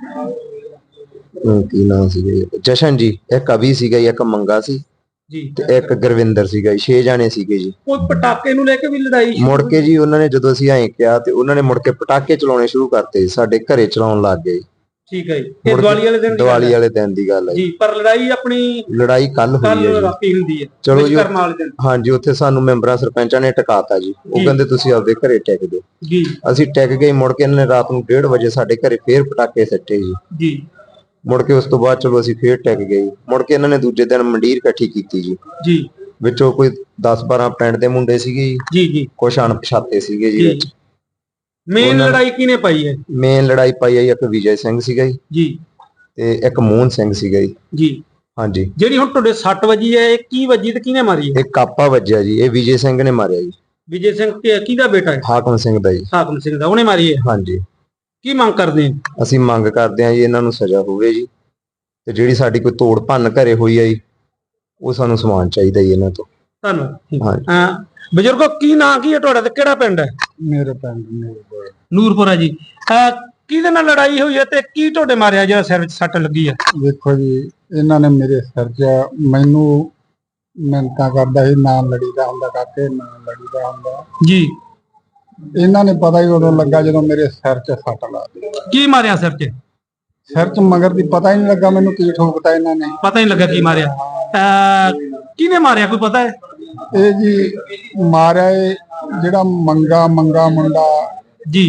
S7: ਕੀ ਨਾਂ ਸੀਗਾ ਜੀ, ਜਸ਼ਨ ਜੀ। ਇੱਕ ਅਭੀ ਸੀਗਾ ਜੀ, ਇੱਕ ਮੰਗਾ ਸੀ
S2: ਜੀ,
S7: ਤੇ ਇੱਕ ਗੁਰਵਿੰਦਰ ਸੀਗਾ ਜੀ। 6 ਜਾਣੇ ਸੀਗੇ ਜੀ।
S2: ਕੋਈ ਪਟਾਕੇ ਨੂੰ ਲੈ ਕੇ ਵੀ ਲੜਾਈ?
S7: ਮੁੜ ਕੇ ਜੀ ਉਹਨਾਂ ਨੇ ਜਦੋਂ ਅਸੀਂ ਐਂ ਕਿਹਾ ਤੇ ਉਹਨਾਂ ਨੇ ਮੁੜ ਕੇ ਪਟਾਕੇ ਚਲਾਉਣੇ ਸ਼ੁਰੂ ਕਰਤੇ, ਸਾਡੇ ਘਰੇ ਚਲਾਉਣ ਲੱਗ ਗਏ।
S2: ਠੀਕ ਹੈ ਜੀ। ਇਹ ਦੀਵਾਲੀ ਵਾਲੇ ਦਿਨ?
S7: ਦੀਵਾਲੀ ਵਾਲੇ ਦਿਨ ਦੀ ਗੱਲ ਹੈ
S2: ਜੀ। ਪਰ ਲੜਾਈ ਆਪਣੀ
S7: ਲੜਾਈ ਕੱਲ ਹੋਈ ਹੈ ਜੀ,
S2: ਰਾਤੀ ਹੁੰਦੀ ਹੈ।
S7: ਚਲੋ ਜੀ, ਹਾਂਜੀ, ਉੱਥੇ ਸਾਨੂੰ ਮੈਂਬਰਾਂ ਸਰਪੰਚਾਂ ਨੇ ਟਿਕਾਤਾ ਜੀ। ਉਹ ਕਹਿੰਦੇ ਤੁਸੀਂ ਆਪਦੇ ਘਰੇ ਟਿਕ ਦਿਓ
S2: ਜੀ।
S7: ਅਸੀਂ ਟਿਕ ਗਏ। ਮੁੜ ਕੇ ਇਹਨਾਂ ਨੇ ਰਾਤ ਨੂੰ 1:30 ਵਜੇ ਸਾਡੇ ਘਰੇ ਫੇਰ ਪਟਾਕੇ ਸੱਟੇ ਜੀ। ਮੁੜ ਕੇ ਉਸ ਤੋਂ ਬਾਅਦ ਚਲੋ ਅਸੀਂ ਫੇਰ ਟਿਕ ਗਏ। ਮੁੜ ਕੇ ਇਹਨਾਂ ਨੇ ਦੂਜੇ ਦਿਨ ਮੰਡੀਰ ਇਕੱਠੀ ਕੀਤੀ ਜੀ। ਵਿੱਚੋਂ ਕੋਈ 10-12 ਪਿੰਡ ਦੇ ਮੁੰਡੇ ਸੀਗੇ ਜੀ, ਕੁਛ ਅਣਪਛਾਤੇ ਸੀਗੇ ਜੀ ਵਿੱਚ।
S2: ਮੇਨ ਲੜਾਈ ਕਿਹਨੇ ਪਾਈ ਹੈ?
S7: ਮੇਨ ਲੜਾਈ ਪਾਈ ਹੈ ਇੱਕ ਵਿਜੇ ਸਿੰਘ ਸੀਗਾ ਜੀ ਤੇ ਇੱਕ ਮੋਹਨ ਸਿੰਘ ਸੀਗਾ ਜੀ। ਹਾਂਜੀ।
S2: ਜਿਹੜੀ ਹੁਣ ਤੁਹਾਡੇ 6 ਵਜੀ ਹੈ, ਇਹ ਕੀ ਵਜੀ ਤੇ ਕਿਹਨੇ ਮਾਰੀ ਹੈ?
S7: ਇਹ ਕਾਪਾ ਵੱਜਿਆ ਜੀ, ਇਹ ਵਿਜੇ ਸਿੰਘ ਨੇ ਮਾਰਿਆ ਜੀ।
S2: ਵਿਜੇ ਸਿੰਘ ਕਿਹਦਾ ਬੇਟਾ ਹੈ?
S7: ਹਾਕਮ ਸਿੰਘ ਦਾ ਜੀ।
S2: ਹਾਕਮ ਸਿੰਘ ਦਾ, ਉਹਨੇ ਮਾਰੀ ਹੈ? ਹਾਂਜੀ। ਕੀ ਮੰਗ ਕਰਦੇ ਆ?
S7: ਅਸੀਂ ਮੰਗ ਕਰਦੇ ਆ ਜੀ ਇਹਨਾਂ ਨੂੰ ਸਜ਼ਾ ਹੋਵੇ ਜੀ, ਤੇ ਜਿਹੜੀ ਸਾਡੀ ਕੋਈ ਤੋੜ ਭੰਨ ਘਰੇ ਹੋਈ ਹੈ ਜੀ, ਉਹ ਸਾਨੂੰ ਸਮਾਨ ਚਾਹੀਦਾ ਜੀ ਇਹਨਾਂ ਤੋਂ।
S2: ਧੰਨਵਾਦ। ਬਜ਼ੁਰਗੋ, ਕੀ ਨਾਂ ਕੀ ਹੈ ਤੁਹਾਡਾ ਤੇ ਕਿਹੜਾ ਪਿੰਡ ਹੈ?
S6: ਮੇਰੇ ਪਿੰਡ
S2: ਨੂਰਪੁਰ ਹੈ ਜੀ। ਕਿਹਦੇ ਨਾਲ ਲੜਾਈ ਹੋਈ ਹੈ ਤੇ ਕੀ ਤੁਹਾਡੇ ਮਾਰਿਆ ਜਿਹੜਾ ਸਿਰ ਵਿੱਚ ਸੱਟ ਲੱਗੀ ਹੈ?
S6: ਦੇਖੋ ਜੀ, ਇਹਨਾਂ ਨੇ ਮੇਰੇ ਸਿਰ 'ਚ ਮੈਨੂੰ ਮਿਹਨਤਾਂ ਕਰਦਾ ਸੀ, ਨਾ ਲੜੀਦਾ ਹੁੰਦਾ ਕਾਕੇ, ਨਾ ਲੜੀਦਾ ਹੁੰਦਾ
S2: ਜੀ।
S6: ਇਹਨਾਂ ਨੇ ਪਤਾ ਹੀ ਉਦੋਂ ਲੱਗਾ ਜਦੋਂ ਮੇਰੇ ਸਿਰ 'ਚ ਸੱਟ ਲਾ ਦਿੱਤੀ।
S2: ਕੀ ਮਾਰਿਆ ਸਿਰ 'ਚ?
S6: ਸਿਰ 'ਚ ਮਗਰ ਦੀ ਪਤਾ ਹੀ ਨਹੀਂ ਲੱਗਾ ਮੈਨੂੰ ਕੀ ਠੋਕਤਾ ਇਹਨਾਂ ਨੇ।
S2: ਪਤਾ ਹੀ ਲੱਗਾ ਕੀ ਮਾਰਿਆ? ਕਿਹਨੇ ਮਾਰਿਆ, ਕੋਈ ਪਤਾ ਹੈ?
S6: ਇਹ ਜੀ ਮਾਰਿਆ ਜਿਹੜਾ ਮੰਗਾ ਮੁੰਡਾ
S2: ਜੀ,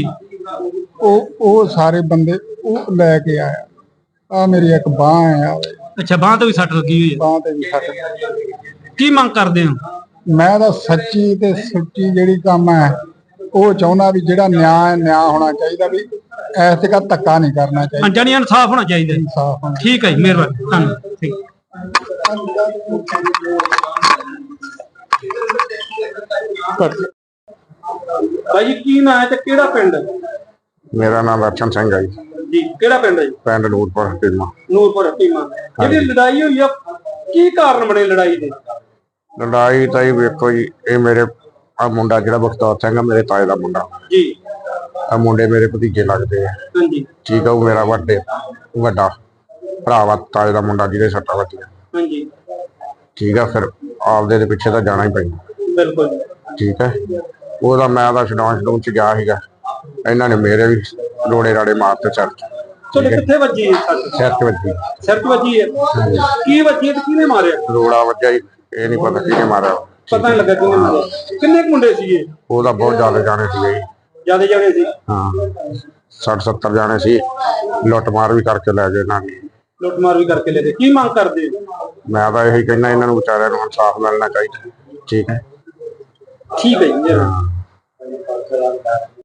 S6: ਉਹ ਸਾਰੇ ਬੰਦੇ ਉਹ ਲੈ ਕੇ ਆਇਆ। ਆ ਮੇਰੀ ਇੱਕ ਬਾਂਹ ਆ।
S2: ਅੱਛਾ, ਬਾਂਹ ਤੇ ਵੀ ਸੱਟ ਲੱਗੀ ਹੋਈ ਹੈ?
S6: ਬਾਂਹ ਤੇ ਵੀ ਸੱਟ।
S2: ਕੀ ਮੰਗ ਕਰਦੇ ਹੋ?
S6: ਮੈਂ ਤਾਂ ਸੱਚੀ ਤੇ ਸੁੱਚੀ ਜਿਹੜੀ ਕੰਮ ਹੈ ਉਹ ਚਾਹੁੰਦਾ ਵੀ ਜਿਹੜਾ ਨਿਆਂ ਹੋਣਾ ਚਾਹੀਦਾ, ਵੀ ਐਸ ਤੇ ਧੱਕਾ ਨਹੀਂ ਕਰਨਾ ਚਾਹੀਦਾ।
S2: ਜਾਨੀ ਇਨਸਾਫ ਹੋਣਾ ਚਾਹੀਦਾ।
S6: ਇਨਸਾਫ ਹੋਣਾ।
S2: ਠੀਕ ਹੈ ਜੀ, ਮਿਹਰਬਾਨੀ, ਧੰਨਵਾਦ। ਠੀਕ। ਭਾਈ ਕੀ ਨਾਂ ਹੈ ਤੇ ਕਿਹੜਾ ਪਿੰਡ ਹੈ?
S4: ਮੇਰਾ ਨਾਮ ਦਰਸ਼ਨ ਸਿੰਘ ਹੈ
S2: ਜੀ। ਕਿਹੜਾ ਪਿੰਡ ਹੈ ਜੀ?
S4: ਪਿੰਡ ਨੂਰਪੁਰ ਹਕੀਮਾ।
S2: ਨੂਰਪੁਰ ਹਕੀਮਾ। ਜਿਹੜੀ ਲੜਾਈ ਹੋਈ ਆ, ਕੀ ਕਾਰਨ ਬਣੇ ਲੜਾਈ ਦੇ?
S4: ਲੜਾਈ ਤਾਂ ਵੇਖੋ ਜੀ, ਇਹ ਮੇਰੇ ਆ ਮੁੰਡਾ ਜਿਹੜਾ ਬਖਤੌਰ ਸਿੰਘ ਆ, ਮੇਰੇ ਤਾਏ ਦਾ ਮੁੰਡਾ
S2: ਜੀ।
S4: ਆ ਮੁੰਡੇ ਮੇਰੇ ਭਤੀਜੇ ਲੱਗਦੇ ਆ।
S2: ਹਾਂਜੀ।
S4: ਠੀਕ ਆ, ਉਹ ਮੇਰਾ ਵੱਡਾ ਭਰਾ ਵਾ, ਤਾਏ ਦਾ ਮੁੰਡਾ ਜਿਹਦੇ ਸੱਟਾਂ ਵੱਜੀਆਂ।
S2: ਹਾਂਜੀ।
S4: ਠੀਕ ਆ, ਫਿਰ ਆਪਦੇ ਦੇ ਪਿੱਛੇ ਤਾਂ ਜਾਣਾ ਹੀ ਪੈਂਦਾ।
S2: ਬਿਲਕੁਲ।
S4: ਠੀਕ ਹੈ। ਉਹਦਾ ਮੈਂ ਤਾਂ ਛਡਾਉਣ ਚ ਗਿਆ ਸੀਗਾ, ਇਹਨਾਂ ਨੇ ਮੇਰੇ ਵੀ ਰੋੜੇ ਰਾੜੇ ਮਾਰਤੇ ਸਿਰ ਚ।
S2: ਤੁਹਾਡੇ ਕਿੱਥੇ ਵੱਜੀ?
S4: ਸਿਰ ਚ ਵੱਜੀ।
S2: ਸਿਰ ਚ ਵੱਜੀ ਹੈ? ਕੀ ਵੱਜੀ ਤੇ ਕਿਹਨੇ ਮਾਰਿਆ?
S4: ਰੋੜਾ ਵੱਜਿਆ ਜੀ, ਇਹ ਨਹੀਂ ਪਤਾ ਕਿਹਨੇ ਮਾਰਿਆ।
S2: ਪਤਾ ਨਹੀਂ ਲੱਗਾ ਕਿਹਨੇ ਮਾਰਿਆ। ਕਿੰਨੇ ਮੁੰਡੇ ਸੀਗੇ?
S4: ਉਹਦਾ ਬਹੁਤ ਜ਼ਿਆਦਾ ਜਾਣੇ ਸੀਗੇ ਜੀ।
S2: ਜ਼ਿਆਦਾ ਜਾਣੇ ਸੀ?
S4: ਹਾਂ, 60-70 ਜਾਣੇ ਸੀ। ਲੁੱਟ ਮਾਰ ਵੀ ਕਰਕੇ ਲੈ ਗਏ ਇਹਨਾਂ ਨੇ।
S2: ਲੁੱਟ ਮਾਰ ਵੀ ਕਰਕੇ ਲੈ ਗਏ। ਕੀ ਮੰਗ ਕਰਦੇ?
S4: ਮੈਂ ਤਾਂ ਇਹੀ ਕਹਿੰਦਾ, ਇਹਨਾਂ ਨੂੰ ਵਿਚਾਰਿਆਂ ਨੂੰ ਇਨਸਾਫ ਮਿਲਣਾ ਚਾਹੀਦਾ। ਠੀਕ ਹੈ।
S2: ਠੀਕ ਹੈ ਜੀ।